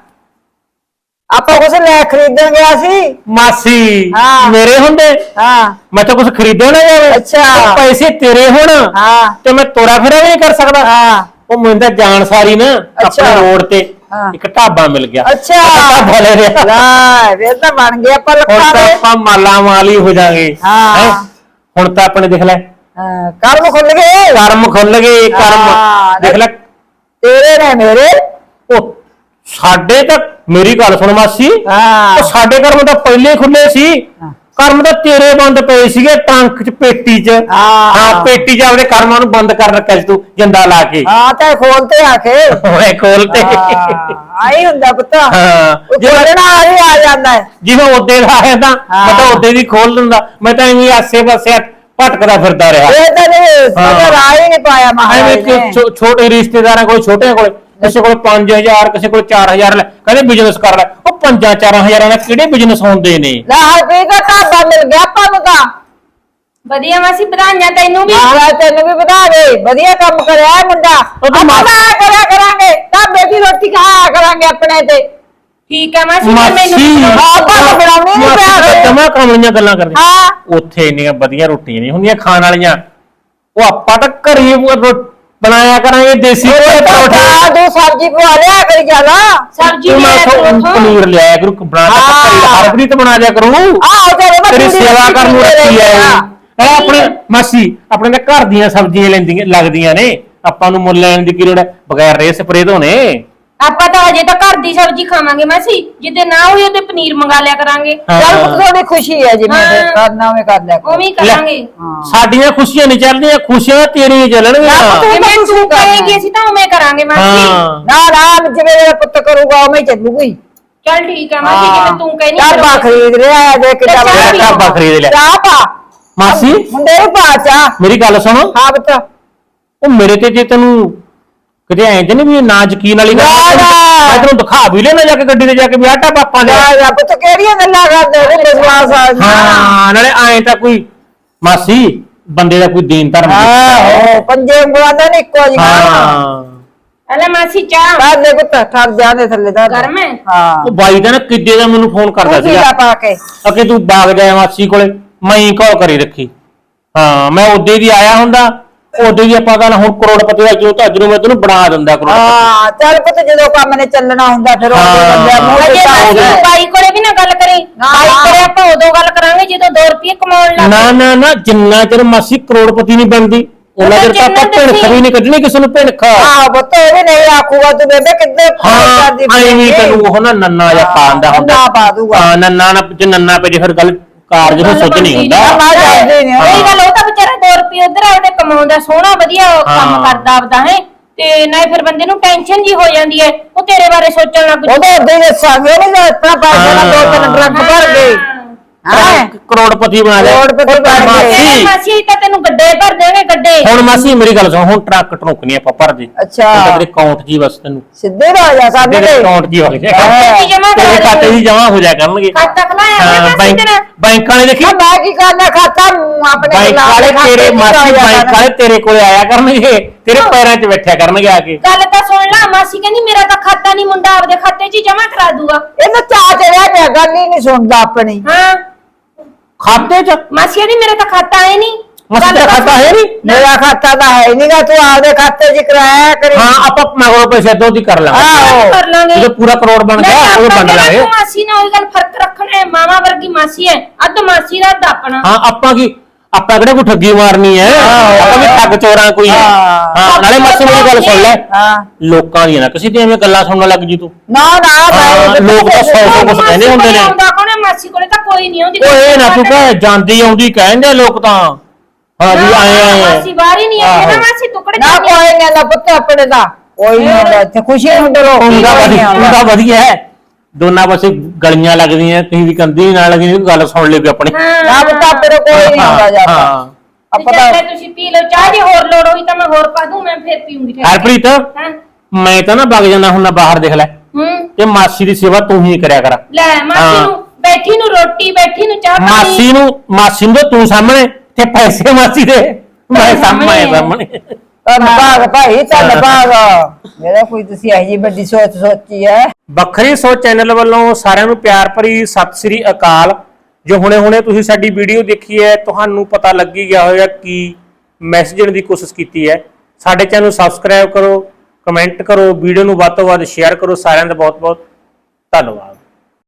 [SPEAKER 3] ਆਪਾਂ ਕੁਛ ਲੈ ਖਰੀਦਣ ਗਿਆ ਸੀ
[SPEAKER 2] ਮਾਸੀ
[SPEAKER 3] ਹਾਂ।
[SPEAKER 2] ਮੇਰੇ ਹੁੰਦੇ
[SPEAKER 3] ਹਾਂ
[SPEAKER 2] ਮੈਂ ਤਾਂ ਕੁਝ ਖਰੀਦੋ ਨਾ ਜਾਵੇ
[SPEAKER 3] ਅੱਛਾ।
[SPEAKER 2] ਉਹ ਪੈਸੇ ਤੇਰੇ ਹੋਣ
[SPEAKER 3] ਹਾਂ
[SPEAKER 2] ਤੇ ਮੈਂ ਤੋਰਾ ਫੇਰਾ ਵੀ ਨਹੀਂ ਕਰ ਸਕਦਾ
[SPEAKER 3] ਹਾਂ
[SPEAKER 2] ਉਹ ਮੈਨੂੰ ਤਾਂ ਜਾਣ ਸਾਰੀ ਨਾ
[SPEAKER 3] ਅੱਛਾ।
[SPEAKER 2] ਆਪਣੇ ਰੋਡ ਤੇ
[SPEAKER 3] ਹਾਂ।
[SPEAKER 2] ਇੱਕ ਢਾਬਾ ਮਿਲ ਗਿਆ
[SPEAKER 3] ਅੱਛਾ
[SPEAKER 2] ਢਾਬਾ ਲੈ ਲਿਆ
[SPEAKER 3] ਲੈ ਫਿਰ ਤਾਂ ਬਣ ਗਿਆ ਆਪਾਂ
[SPEAKER 2] ਹੁਣ
[SPEAKER 3] ਲੱਖਾਂ
[SPEAKER 2] ਤਾਂ
[SPEAKER 3] ਦੇ
[SPEAKER 2] ਆਪਾਂ ਮਾਲਾ ਮਾਲੀ ਹੋ ਜਾਾਂਗੇ
[SPEAKER 3] ਹਾਂ।
[SPEAKER 2] ਹੁਣ ਤਾਂ ਆਪਣੇ ਦੇਖ ਲੈ
[SPEAKER 3] ਹਾਂ, ਕਰਮ ਖੁੱਲ ਗਏ
[SPEAKER 2] ਕਰਮ ਖੁੱਲ ਗਏ
[SPEAKER 3] ਹਾਂ,
[SPEAKER 2] ਕਰਮ ਦੇਖ ਲੈ
[SPEAKER 3] ਤੇਰੇ ਨੇ ਮੇਰੇ
[SPEAKER 2] ਉਹ ਸਾਡੇ ਤਾਂ ਮੇਰੀ ਗੱਲ ਸੁਣ ਮਾਸੀ
[SPEAKER 3] ਹਾਂ
[SPEAKER 2] ਉਹ ਸਾਡੇ ਕਰਮ ਤਾਂ ਪਹਿਲੇ ਹੀ ਖੁੱਲੇ ਸੀ ਕਰਮ ਤਾਂ ਤੇਰੇ ਬੰਦ ਪਏ ਸੀਗੇ ਟਰੰਕ ਚ ਪੇਟੀ ਚ
[SPEAKER 3] ਹਾਂ।
[SPEAKER 2] ਹਾਂ ਪੇਟੀ ਚ ਆਪਦੇ ਕਰਮਾਂ ਨੂੰ ਬੰਦ ਕਰ ਰੱਖਿਆ ਸੀ ਤੂੰ ਜਿੰਦਾ ਲਾ ਕੇ
[SPEAKER 3] ਹਾਂ ਤਾਂ ਖੋਲਤੇ ਆਖੇ
[SPEAKER 2] ਓਏ ਖੋਲ ਤੇ
[SPEAKER 3] ਆਈ ਹੁੰਦਾ ਪੁੱਤ
[SPEAKER 2] ਹਾਂ
[SPEAKER 3] ਉਹ
[SPEAKER 2] ਜਿਵੇਂ
[SPEAKER 3] ਨਾਲ ਹੀ ਆ ਜਾਂਦਾ ਹੈ
[SPEAKER 2] ਜਿਵੇਂ ਉਹਦੇ ਦਾ ਆਇਆ ਤਾਂ ਮੈਂ ਤਾਂ
[SPEAKER 3] ਹਾਂ।
[SPEAKER 2] ਉਹਦੇ ਦੀ ਖੋਲ ਦਿੰਦਾ ਮੈਂ ਤਾਂ ਐਵੇਂ ਆਸੇ ਪਾਸੇ ਭਟਕਦਾ ਫਿਰਦਾ ਰਿਹਾ
[SPEAKER 3] ਇਹ ਤਾਂ ਨਹੀਂ ਸਮਝ ਰਾਹ ਹੀ ਨਹੀਂ ਪਾਇਆ
[SPEAKER 2] ਐਵੇਂ
[SPEAKER 3] ਮਹਾਰਾਜ
[SPEAKER 2] ਕਿ
[SPEAKER 3] ਨੇ
[SPEAKER 2] ਛੋ- ਛੋਟੇ ਰਿਸ਼ਤੇਦਾਰਾਂ ਕੋਲ ਛੋਟਿਆਂ ਕੋਲ ਕਿਸੇ ਕੋਲ ਪੰਜ ਹਜ਼ਾਰ ਕਿਸੇ ਕੋਲ ਚਾਰ ਹਜ਼ਾਰ ਲੈ ਕਹਿੰਦੇ ਬਿਜ਼ਨਸ ਕਰ ਲੈ ਉਹ ਪੰਜਾਂ ਚਾਰਾਂ ਹਜ਼ਾਰਾਂ ਨਾਲ ਕਿਹੜੇ ਬਿਜ਼ਨਸ ਹੁੰਦੇ ਨੇ
[SPEAKER 3] ਲੈ ਹਰਪੀ ਦਾ ਢਾਬਾ ਮਿਲ ਗਿਆ ਆਪਾਂ ਨੂੰ ਤਾਂ
[SPEAKER 1] ਵਧੀਆ ਮਾਸੀ ਵਧਾਈਆਂ ਤੈਨੂੰ ਵੀ
[SPEAKER 3] ਮਹਾਰਾਜ ਤੈਨੂੰ ਵੀ ਵਧਾ ਦੇ ਵਧੀਆ ਕੰਮ ਕਰਿਆ ਇਹ ਮੁੰਡਾ
[SPEAKER 2] ਉਹ ਤਾਂ
[SPEAKER 3] ਆਪਾਂ
[SPEAKER 2] ਮਾ-
[SPEAKER 3] ਤਾਂ ਐਂ ਕਰਿਆ ਕਰਾਂਗੇ ਢਾਬੇ ਦੀ ਰੋਟੀ ਖਾਇਆ ਕਰਾਂਗੇ ਆਪਣੇ ਤੇ
[SPEAKER 1] ਠੀਕ ਹੈ ਮਾਸੀ
[SPEAKER 2] ਮਾਸੀ
[SPEAKER 3] ਆਪਾਂ ਤਾਂ ਬਣਾਉਣੀ ਨਹੀਂ ਪਿਆ
[SPEAKER 2] ਜਮਾ ਕਰਾਉਣੀਆਂ ਗੱਲਾਂ ਕਰਦੇ
[SPEAKER 3] ਹਾਂ
[SPEAKER 2] ਉੱਥੇ ਇੰਨੀਆਂ ਵਧੀਆ ਰੋਟੀਆਂ ਨਹੀਂ ਹੁੰਦੀਆਂ ਖਾਣ ਵਾਲੀਆਂ ਉਹ ਆਪਾਂ ਤਾਂ ਘਰੇ ਹੀ ਰੋ- ਬਣਾਇਆ ਕਰਾਂਗੇ ਦੇਸੀ ਘਿਓ ਦੇ ਪਰੌਠੇ
[SPEAKER 3] ਹਾਂ ਤੂੰ ਸਬਜ਼ੀ ਪਵਾ ਲਿਆ ਕਰੀ ਜਾਣਾ
[SPEAKER 1] ਸਬਜ਼ੀ
[SPEAKER 2] ਤੂੰ
[SPEAKER 1] ਲੈ
[SPEAKER 2] ਮੈਂ
[SPEAKER 1] ਤੂੰ
[SPEAKER 2] ਉੱਥੋਂ ਪਨੀਰ ਲਿਆਇਆ ਕਰੂ ਬਣਾ ਕੇ
[SPEAKER 3] ਹਾਂ।
[SPEAKER 2] ਘਰੇ ਹਰਪ੍ਰੀਤ ਬਣਾ ਦਿਆ ਕਰੂ
[SPEAKER 3] ਆਹੋ ਤੇਰੇ ਮੈਂ
[SPEAKER 2] ਤੇਰੀ
[SPEAKER 3] ਪੂਰੀ
[SPEAKER 2] ਸੇਵਾ ਕਰਨ ਨੂੰ
[SPEAKER 3] ਰੋਟੀ
[SPEAKER 2] ਰੱਖੀ
[SPEAKER 3] ਦੇ
[SPEAKER 2] ਐ
[SPEAKER 3] ਦਿਆ।
[SPEAKER 2] ਇਹ ਆਪਣੇ ਮਾਸੀ ਆਪਣੇ ਤਾਂ ਘਰ ਦੀਆਂ ਸਬਜ਼ੀਆਂ ਲੈਂਦੀਆਂ ਲੱਗਦੀਆਂ ਨੇ ਆਪਾਂ ਨੂੰ ਮੁੱਲ ਲੈਣ ਦੀ ਕੀ ਲੋੜ ਹੈ ਬਗੈਰ ਰੇ ਸਪਰੇ ਤੋਂ ਨੇ
[SPEAKER 1] ਆਪਾਂ ਤਾਂ ਅਜੇ ਤਾਂ ਘਰ ਦੀ ਸਬਜ਼ੀ ਖਾਵਾਂਗੇ ਮਾਸੀ ਜਿੱਦੇ ਨਾ ਹੋਈ ਉਹਦੇ ਪਨੀਰ ਮੰਗਾ ਲਿਆ ਕਰਾਂਗੇ
[SPEAKER 2] ਹਾਂ।
[SPEAKER 3] ਚੱਲ ਪੁੱਤ ਤੁਹਾਡੀ ਖੁਸ਼ੀ ਹੈ ਜਿਵੇਂ
[SPEAKER 1] ਹਾਂ।
[SPEAKER 3] ਫਿਰ ਕਰਨਾ ਹੋਵੇ ਕਰ ਲਿਆ ਕਰੋ।
[SPEAKER 1] ਉਵੇਂ ਹੀ ਕਰਾਂਗੇ
[SPEAKER 3] ਹਾਂ
[SPEAKER 2] ਸਾਡੀਆਂ ਖੁਸ਼ੀਆਂ ਨਹੀਂ ਚੱਲਦੀਆਂ ਖੁਸ਼ੀਆਂ ਤੇਰੀਆਂ ਚੱਲਣਗੀਆਂ
[SPEAKER 3] ਤੂੰ ਤਾਂ
[SPEAKER 1] ਜਿਵੇਂ
[SPEAKER 3] ਕੁਛ
[SPEAKER 1] ਤੂੰ
[SPEAKER 3] ਨੀ ਕਰਨਾ।
[SPEAKER 1] ਕਹੇਂਗੀ ਅਸੀਂ ਤਾਂ ਉਵੇਂ ਕਰਾਂਗੇ ਮਾਸੀ
[SPEAKER 2] ਹਾਂ
[SPEAKER 3] ਨਾ ਨਾ ਜਿਵੇਂ ਮੇਰਾ ਪੁੱਤ ਕਰੂਗਾ ਉਵੇਂ ਹੀ ਚੱਲੂਗੀ
[SPEAKER 1] ਚੱਲ ਠੀਕ ਹੈ ਮਾਸੀ ਜਿਵੇਂ ਤੂੰ ਕਹਿਨੀ
[SPEAKER 3] ਢਾਬਾ ਖਰੀਦ ਲਿਆ ਹੈ ਦੇਖ ਕਿੱਡਾ
[SPEAKER 1] ਚਾਹ
[SPEAKER 3] ਵੱਡਾ
[SPEAKER 1] ਪੀ
[SPEAKER 2] ਢਾਬਾ ਖਰੀਦ ਲਿਆ
[SPEAKER 3] ਚਾਹ ਪਾ
[SPEAKER 2] ਮਾਸੀ
[SPEAKER 3] ਮੁੰਡੇ ਨੂੰ ਪਾ ਚਾਹ
[SPEAKER 2] ਮੇਰੀ ਗੱਲ ਸੁਣੋ
[SPEAKER 3] ਹਾਂ ਪੁੱਤ
[SPEAKER 2] ਉਹ ਮੇਰੇ ਤੇ ਜੇ ਤੈਨੂੰ ਕਿਤੇ ਐਂ ਤੇ ਨਹੀਂ ਵੀ ਨਾ ਯਕੀਨ ਵਾਲੀ ਗੱਲ
[SPEAKER 3] ਨਾ, ਨਾ।
[SPEAKER 2] ਮੈਂ ਤੈਨੂੰ ਦਿਖਾ ਵੀ ਲੈਣਾ ਜਾ ਕੇ ਗੱਡੀ ਤੇ ਜਾ ਕੇ ਵੀ ਆਟਾ ਪਾਪਾ ਦੇ
[SPEAKER 3] ਜਾ ਜਾ ਪੁੱਤ ਕਿਹੜੀਆਂ ਗੱਲਾਂ ਕਰਦੇ ਨੇ ਵਿਸ਼ਵਾਸ ਆ
[SPEAKER 2] ਹਾਂ ਨਾਲੇ ਐਂ ਤਾਂ ਕੋਈ ਮਾਸੀ ਬੰਦੇ ਦਾ ਕੋਈ ਦੀਨ ਧਰਮ ਨਹੀਂ।
[SPEAKER 3] ਹਾਂ ਪੰਜੇ ਉਂਗਲਾਂ ਦਾ ਨੀ ਇੱਕੋ ਜਿਹਾ
[SPEAKER 2] ਹਾਂ
[SPEAKER 1] ਅਲੇ ਮਾਸੀ ਚਾਹ
[SPEAKER 3] ਕਰ ਦੇ ਪੁੱਤ ਠਰ ਜਾਣੇ ਥੱਲੇ ਦਾ
[SPEAKER 1] ਗਰਮ ਹੈ?
[SPEAKER 3] ਹਾਂ
[SPEAKER 2] ਉਹ ਬਾਈ ਦਾ ਨਾ ਕਿੱਦੇ ਦਾ ਮੈਨੂੰ ਫੋਨ ਕਰਦਾ
[SPEAKER 3] ਤੂੰ ਪੀਲਾ
[SPEAKER 2] ਸੀਗਾ
[SPEAKER 3] ਪਾ ਕੇ
[SPEAKER 2] ਅਕੇ ਤੂੰ ਬਾਗ ਜਾਇਆ ਮਾਸੀ ਕੋਲੇ ਮੈਂ ਹੀ ਕਾਲ ਕਰੀ ਰੱਖੀ ਹਾਂ ਮੈਂ ਉਹਦੇ ਦੀ ਆਇਆ ਹੁੰਦਾ ਉਹਦੇ ਦੀ ਆਪਾਂ ਗੱਲ ਹੁਣ ਕਰੋੜਪਤੀ ਦਾ ਜੋ ਤਾਂ ਅੱਜ ਨੂੰ ਮੈਂ ਤੈਨੂੰ ਬਣਾ ਦਿੰਦਾ ਕਰੋੜਪਤੀ
[SPEAKER 3] ਹਾਂ ਚੱਲ ਪੁੱਤ ਜਦੋਂ ਕੰਮ ਨੇ ਚੱਲਣਾ ਹੁੰਦਾ ਫਿਰ ਉਹ
[SPEAKER 2] ਹਾਂ।
[SPEAKER 3] ਬੰਦਿਆਂ ਮੂੰਹ
[SPEAKER 1] ਅਜੇ
[SPEAKER 3] ਤੇ
[SPEAKER 1] ਮਾਸੀ
[SPEAKER 3] ਤਾਂ
[SPEAKER 1] ਬਾਈ ਕੋਲੇ ਵੀ ਨਾ ਗੱਲ ਕਰੀ
[SPEAKER 3] ਨਾ।
[SPEAKER 1] ਬਾਈ ਕੋਲੇ ਆਪਾਂ ਉਦੋਂ ਗੱਲ ਕਰਾਂਗੇ ਜਦੋਂ ਦੋ ਰੁਪਏ ਕਮਾਉਣ ਲੱਗ
[SPEAKER 2] ਨਾ ਨਾ ਨਾ ਜਿੰਨਾ ਚਿਰ ਮਾਸੀ ਕਰੋੜਪਤੀ ਨਹੀਂ ਬਣਦੀ ਉਹਨਾਂ ਚਿਰ ਤਾਂ ਆਪਾਂ
[SPEAKER 1] ਜਿੰਨਾ
[SPEAKER 2] ਭਿਣਖ ਵੀ ਨਹੀਂ ਕੱਢਣੀ ਕਿਸੇ ਨੂੰ ਭਿਣਖ
[SPEAKER 3] ਆਹ ਪੁੱਤ ਇਹ ਵੀ ਨਹੀਂ ਆਖੂਗਾ ਤੂੰ ਬੇਬੇ ਕਿੱਦੇ
[SPEAKER 2] ਹਾਂ
[SPEAKER 3] ਕਰਦੀ
[SPEAKER 2] ਐਵੇਂ ਤੈਨੂੰ ਉਹ ਨਾ ਨੰਨਾ ਜਾਂ ਪਾਉਂਦਾ ਹੁੰਦਾ
[SPEAKER 3] ਨੰਨਾ ਪਾ ਦੂਗਾ।
[SPEAKER 2] ਹਾਂ ਨੰਨਾ ਨਾ ਜੇ ਨੰਨਾ ਪੇ ਜੇ ਫਿਰ ਗੱਲ ਕਾਰਜ ਨੂੰ ਸੁੱਝ ਨਹੀਂ ਹੁੰਦਾ
[SPEAKER 3] ਨਾ ਜਾਂਦੇ ਨੇ
[SPEAKER 1] ਸਹੀ ਗੱਲ ਉਹ ਤਾਂ ਵਿਚਾਰਾ ਦੋ ਰੁਪਏ ਉਧਰ ਆਉਦੇ ਕਮਾਉਂਦਾ ਸੋਹਣਾ ਵਧੀਆ ਉਹ ਕੰਮ
[SPEAKER 2] ਹਾਂ।
[SPEAKER 1] ਕਰਦਾ ਆਪਦਾ ਹੈ ਤੇ ਨਾ ਫਿਰ ਬੰਦੇ ਨੂੰ ਟੈਨਸ਼ਨ ਜੀ ਹੋ ਜਾਂਦੀ ਹੈ ਉਹ ਤੇਰੇ ਬਾਰੇ ਸੋਚਣ ਲੱਗ
[SPEAKER 3] ਉਹਦੇ ਅੱਗੇ ਦੱਸਾਂਗੇ ਨਹੀਂ ਇਤਨਾ ਪੈਸੇ ਨਾਲ ਦੋ ਤਿੰਨ ਟਰੱਕ ਭਰ ਗਏ ਹਾਂ
[SPEAKER 2] ਕਰੋੜਪਤੀ ਬਣਾ ਲਿਆ
[SPEAKER 3] ਕਰੋੜਪਤੀ ਬਣ ਗਏ।
[SPEAKER 2] ਮਾਸੀ
[SPEAKER 1] ਮਾਸੀ ਤਾਂ ਤੈਨੂੰ ਗੱਡੇ ਭਰ ਦੇਣਗੇ ਗੱਡੇ
[SPEAKER 2] ਹੁਣ ਮਾਸੀ ਮੇਰੀ ਗੱਲ ਸੁਣ ਹੁਣ ਟਰੱਕ ਟਰੁੱਕ ਨਹੀਂ ਆਪਾਂ ਭਰਦੇ
[SPEAKER 3] ਅੱਛਾ।
[SPEAKER 2] ਹੁਣ ਤਾਂ ਤੇਰੇ ਅਕਾਊਂਟ ਜੀ ਬਸ ਤੈਨੂੰ
[SPEAKER 3] ਸਿੱਧੇ ਰਾਜਾ ਸਾਡੇ
[SPEAKER 2] ਤੇਰੇ ਅਕਾਊਂਟ ਜੀ ਹੋ
[SPEAKER 1] ਖਾਤੇ
[SPEAKER 2] ਜਾਏਗਾ
[SPEAKER 1] ਚ ਜਮਾ
[SPEAKER 2] ਤੇਰੇ
[SPEAKER 1] ਕਰਾ
[SPEAKER 2] ਖਾਤੇ
[SPEAKER 1] ਦੇਣਗੇ।
[SPEAKER 2] ਜੀ ਜਮਾ ਹੋ ਜਾਇਆ ਕਰਨਗੇ
[SPEAKER 1] ਖਾਤਾ ਖਲਾਇਆ
[SPEAKER 2] ਹਾਂ,
[SPEAKER 1] ਹੋਇਆ ਮਾਸੀ
[SPEAKER 2] ਬੈਂਕ
[SPEAKER 1] ਤੇਰਾ
[SPEAKER 2] ਬੈਂਕ ਵਾਲੇ ਦੇਖੀ
[SPEAKER 3] ਮੈਂ ਮੈਂ ਕੀ ਕਰਨਾ ਖਾਤਾ ਆਪਣੇ
[SPEAKER 2] ਬੈਂਕ
[SPEAKER 3] ਨਾਲ
[SPEAKER 2] ਵਾਲੇ
[SPEAKER 3] ਖਾਤੇ
[SPEAKER 2] ਤੇਰੇ
[SPEAKER 3] ਚ
[SPEAKER 2] ਮਾਸੀ
[SPEAKER 3] ਰਾਜਾ
[SPEAKER 2] ਬੈਂਕ
[SPEAKER 3] ਕਰਨਾ।
[SPEAKER 2] ਵਾਲੇ ਤੇਰੇ ਕੋਲੇ ਆਇਆ ਕਰਨਗੇ ਤੇਰੇ ਪੈਰਾਂ 'ਚ ਬੈਠਿਆ ਕਰਨਗੇ ਆ ਕੇ।
[SPEAKER 1] ਗੱਲ ਤਾਂ ਸੁਣ ਲੈ, ਮਾਸੀ ਕਹਿੰਦੀ ਮੇਰਾ ਤਾਂ ਖਾਤਾ ਨਹੀਂ, ਮੁੰਡਾ ਆਪਦੇ ਖਾਤੇ 'ਚ ਹੀ ਜਮਾ ਕਰਾ ਦੂਗਾ।
[SPEAKER 3] ਇਹਨੂੰ ਚਾਹ ਚੜਿਆ ਪਿਆ, ਗੱਲ ਹੀ ਨਹੀਂ ਸੁਣਦਾ ਆਪਣੀ।
[SPEAKER 1] ਹਾਂ
[SPEAKER 2] ਖਾਤੇ 'ਚ
[SPEAKER 1] ਮਾਸੀ ਕਹਿੰਦੀ ਮੇਰਾ ਤਾਂ ਖਾਤਾ ਹੈ ਨਹੀਂ।
[SPEAKER 2] ਮਾਸੀ ਤੇਰਾ ਖਾਤਾ ਹੈ ਨਹੀਂ?
[SPEAKER 3] ਮੇਰਾ ਖਾਤਾ ਤਾਂ ਹੈ ਨਹੀਂਗਾ, ਤੂੰ ਆਪਦੇ ਖਾਤੇ 'ਚ ਕਰਾਇਆ ਕਰੀ।
[SPEAKER 2] ਹਾਂ ਆਪਾਂ ਮਗਰੋਂ ਪੈਸੇ ਦੋ ਦੀ ਕਰ ਲਾਂਗੇ।
[SPEAKER 3] ਆਹੋ
[SPEAKER 1] ਕਰ ਲਾਂਗੇ
[SPEAKER 2] ਜਦੋਂ ਪੂਰਾ ਕਰੋੜ ਬਣ ਗਿਆ ਉਹ ਵੰਡ ਲਾਂਗੇ।
[SPEAKER 1] ਮਾਸੀ ਨਾਲ ਉਹੀ ਗੱਲ ਫਰਕ ਰੱਖਣਾ ਹੈ, ਮਾਵਾ ਵਰਗੀ ਮਾਸੀ ਹੈ, ਅੱਧ ਮਾਸੀ ਦਾ ਅੱਧ ਆਪਣਾ।
[SPEAKER 2] ਹਾਂ ਆਪਾਂ ਕੀ ਆਪਾਂ ਕਿਹੜੇ ਕੋਈ ਠੱਗੀ ਮਾਰਨੀ ਹੈ, ਆਪਾਂ ਵੀ ਠੱਗ ਚੋਰਾਂ ਕੋਈ ਹੈ। ਹਾਂ ਨਾਲੇ ਮਾਸੀ ਮੇਰੀ ਗੱਲ ਸੁਣ ਲੈ,
[SPEAKER 3] ਹਾਂ
[SPEAKER 2] ਲੋਕਾਂ ਦੀਆਂ ਨਾ ਕਿਸੇ ਦੀਆਂ ਐਵੇਂ ਗੱਲਾਂ ਸੁਣਨ ਲੱਗ ਜੀ ਤੂੰ।
[SPEAKER 3] ਨਾ ਨਾ
[SPEAKER 2] ਹਾਂ, ਲੋਕ ਤਾਂ ਸੌ ਸੌ ਕੁਛ ਕਹਿੰਦੇ ਹੁੰਦੇ ਨੇ।
[SPEAKER 1] ਆਉਂਦਾ ਕੋਣੇ ਮਾਸੀ ਕੋਲੇ ਤਾਂ ਕੋਈ ਨਹੀਂ ਆਉਂਦੀ।
[SPEAKER 2] ਉਹ ਇਹ ਨਾ ਤੂੰ ਕਹੇ ਜਾਂਦੀ ਆਉਂਦੀ ਕਹਿੰਦੇ ਲੋਕ ਤਾਂ ਹਾਂ ਜੀ ਆਏ ਆਏ
[SPEAKER 1] ਮਾਸੀ ਬਾਹਰ ਹੀ ਨਹੀਂ ਆਈ ਨਾ, ਮਾਸੀ ਟੁਕੜੇ
[SPEAKER 3] ਨਾ ਕੋਈ ਨਹੀਂ ਨਾ ਪੁੱਤ ਆਪਣੇ ਦਾ ਕੋਈ ਨਹੀਂ ਹੁੰਦਾ ਇੱਥੇ, ਖੁਸ਼ੀ ਹੁੰਦੇ ਲੋਕ
[SPEAKER 2] ਹੁੰਦਾ ਵਧੀਆ ਹੁੰਦਾ ਵਧੀਆ ਹੈ। ਦੋਨਾਂ ਪਾਸੇ ਗਲੀਆਂ ਲੱਗਦੀਆਂ, ਕहीं ਵੀ ਕੰਦੀ ਨਾਲ ਲੱਗਦੀ, ਗੱਲ ਸੁਣ ਲਈ ਆਪਣੀ।
[SPEAKER 3] ਨਾ ਪੁੱਤ ਆਪਣੇ ਕੋਈ ਨਹੀਂ ਹੁੰਦਾ ਜਾਂਦਾ।
[SPEAKER 2] ਹਾਂ
[SPEAKER 3] ਆਪਾਂ ਤਾਂ
[SPEAKER 1] ਜੇ ਤੁਸੀਂ ਪੀ ਲਓ ਚਾਹ, ਜੇ ਹੋਰ ਲੋੜ ਹੋਈ ਤਾਂ ਮੈਂ ਹੋਰ ਪਾ ਦੂੰ, ਮੈਂ ਫੇਰ ਪੀਉਂਗੀ।
[SPEAKER 2] ਹਰਪ੍ਰੀਤ
[SPEAKER 1] ਹਾਂ
[SPEAKER 2] ਮੈਂ ਤਾਂ ਨਾ ਵਗ ਜਾਂਦਾ ਹੁਣ ਨਾ ਬਾਹਰ, ਦੇਖ ਲੈ
[SPEAKER 1] ਹੂੰ
[SPEAKER 2] ਇਹ ਮਾਸੀ ਦੀ ਸੇਵਾ ਤੂੰ ਹੀ ਕਰਿਆ ਕਰ।
[SPEAKER 1] ਲੈ ਮਾਸੀ ਨੂੰ ਬੈਠੀ ਨੂੰ ਰੋਟੀ, ਬੈਠੀ ਨੂੰ ਚਾਹ ਪਾਣੀ।
[SPEAKER 2] ਮਾਸੀ ਨੂੰ ਮਾਸੀ ਨੂੰ ਤਾਂ ਤੂੰ ਸਾਹਮਣੇ ਤੇ ਪੈਸੇ ਮਾਸੀ ਦੇ ਮੈਂ ਸਾਹਮਣੇ ਸਾਹਮਣੇ
[SPEAKER 3] ਧੰਨਵਾਦ ਭਾਈ, ਧੰਨਵਾਦ। ਮੇਰਾ ਕੋਈ ਤੁਸੀਂ ਇਹੋ ਜਿਹੀ ਵੱਡੀ ਸੋਚ ਸੋਚੀ ਹੈ।
[SPEAKER 2] ਵੱਖਰੀ ਸੋਚ ਚੈਨਲ ਵੱਲੋਂ ਸਾਰਿਆਂ ਨੂੰ ਪਿਆਰ ਭਰੀ ਸਤਿ ਸ੍ਰੀ ਅਕਾਲ। ਜੋ ਹੁਣੇ-ਹੁਣੇ ਤੁਸੀਂ ਸਾਡੀ ਵੀਡੀਓ ਦੇਖੀ ਹੈ, ਤੁਹਾਨੂੰ ਪਤਾ ਲੱਗ ਹੀ ਗਿਆ ਹੋਵੇਗਾ ਕੀ ਮੈਸੇਜ ਦੇਣ ਦੀ ਕੋਸ਼ਿਸ਼ ਕੀਤੀ ਹੈ। ਸਾਡੇ ਚੈਨਲ ਨੂੰ ਸਬਸਕ੍ਰਾਈਬ ਕਰੋ, ਕਮੈਂਟ ਕਰੋ, ਵੀਡੀਓ ਨੂੰ ਵੱਧ ਤੋਂ ਵੱਧ ਸ਼ੇਅਰ ਕਰੋ। ਸਾਰਿਆਂ ਦਾ ਬਹੁਤ-ਬਹੁਤ ਧੰਨਵਾਦ।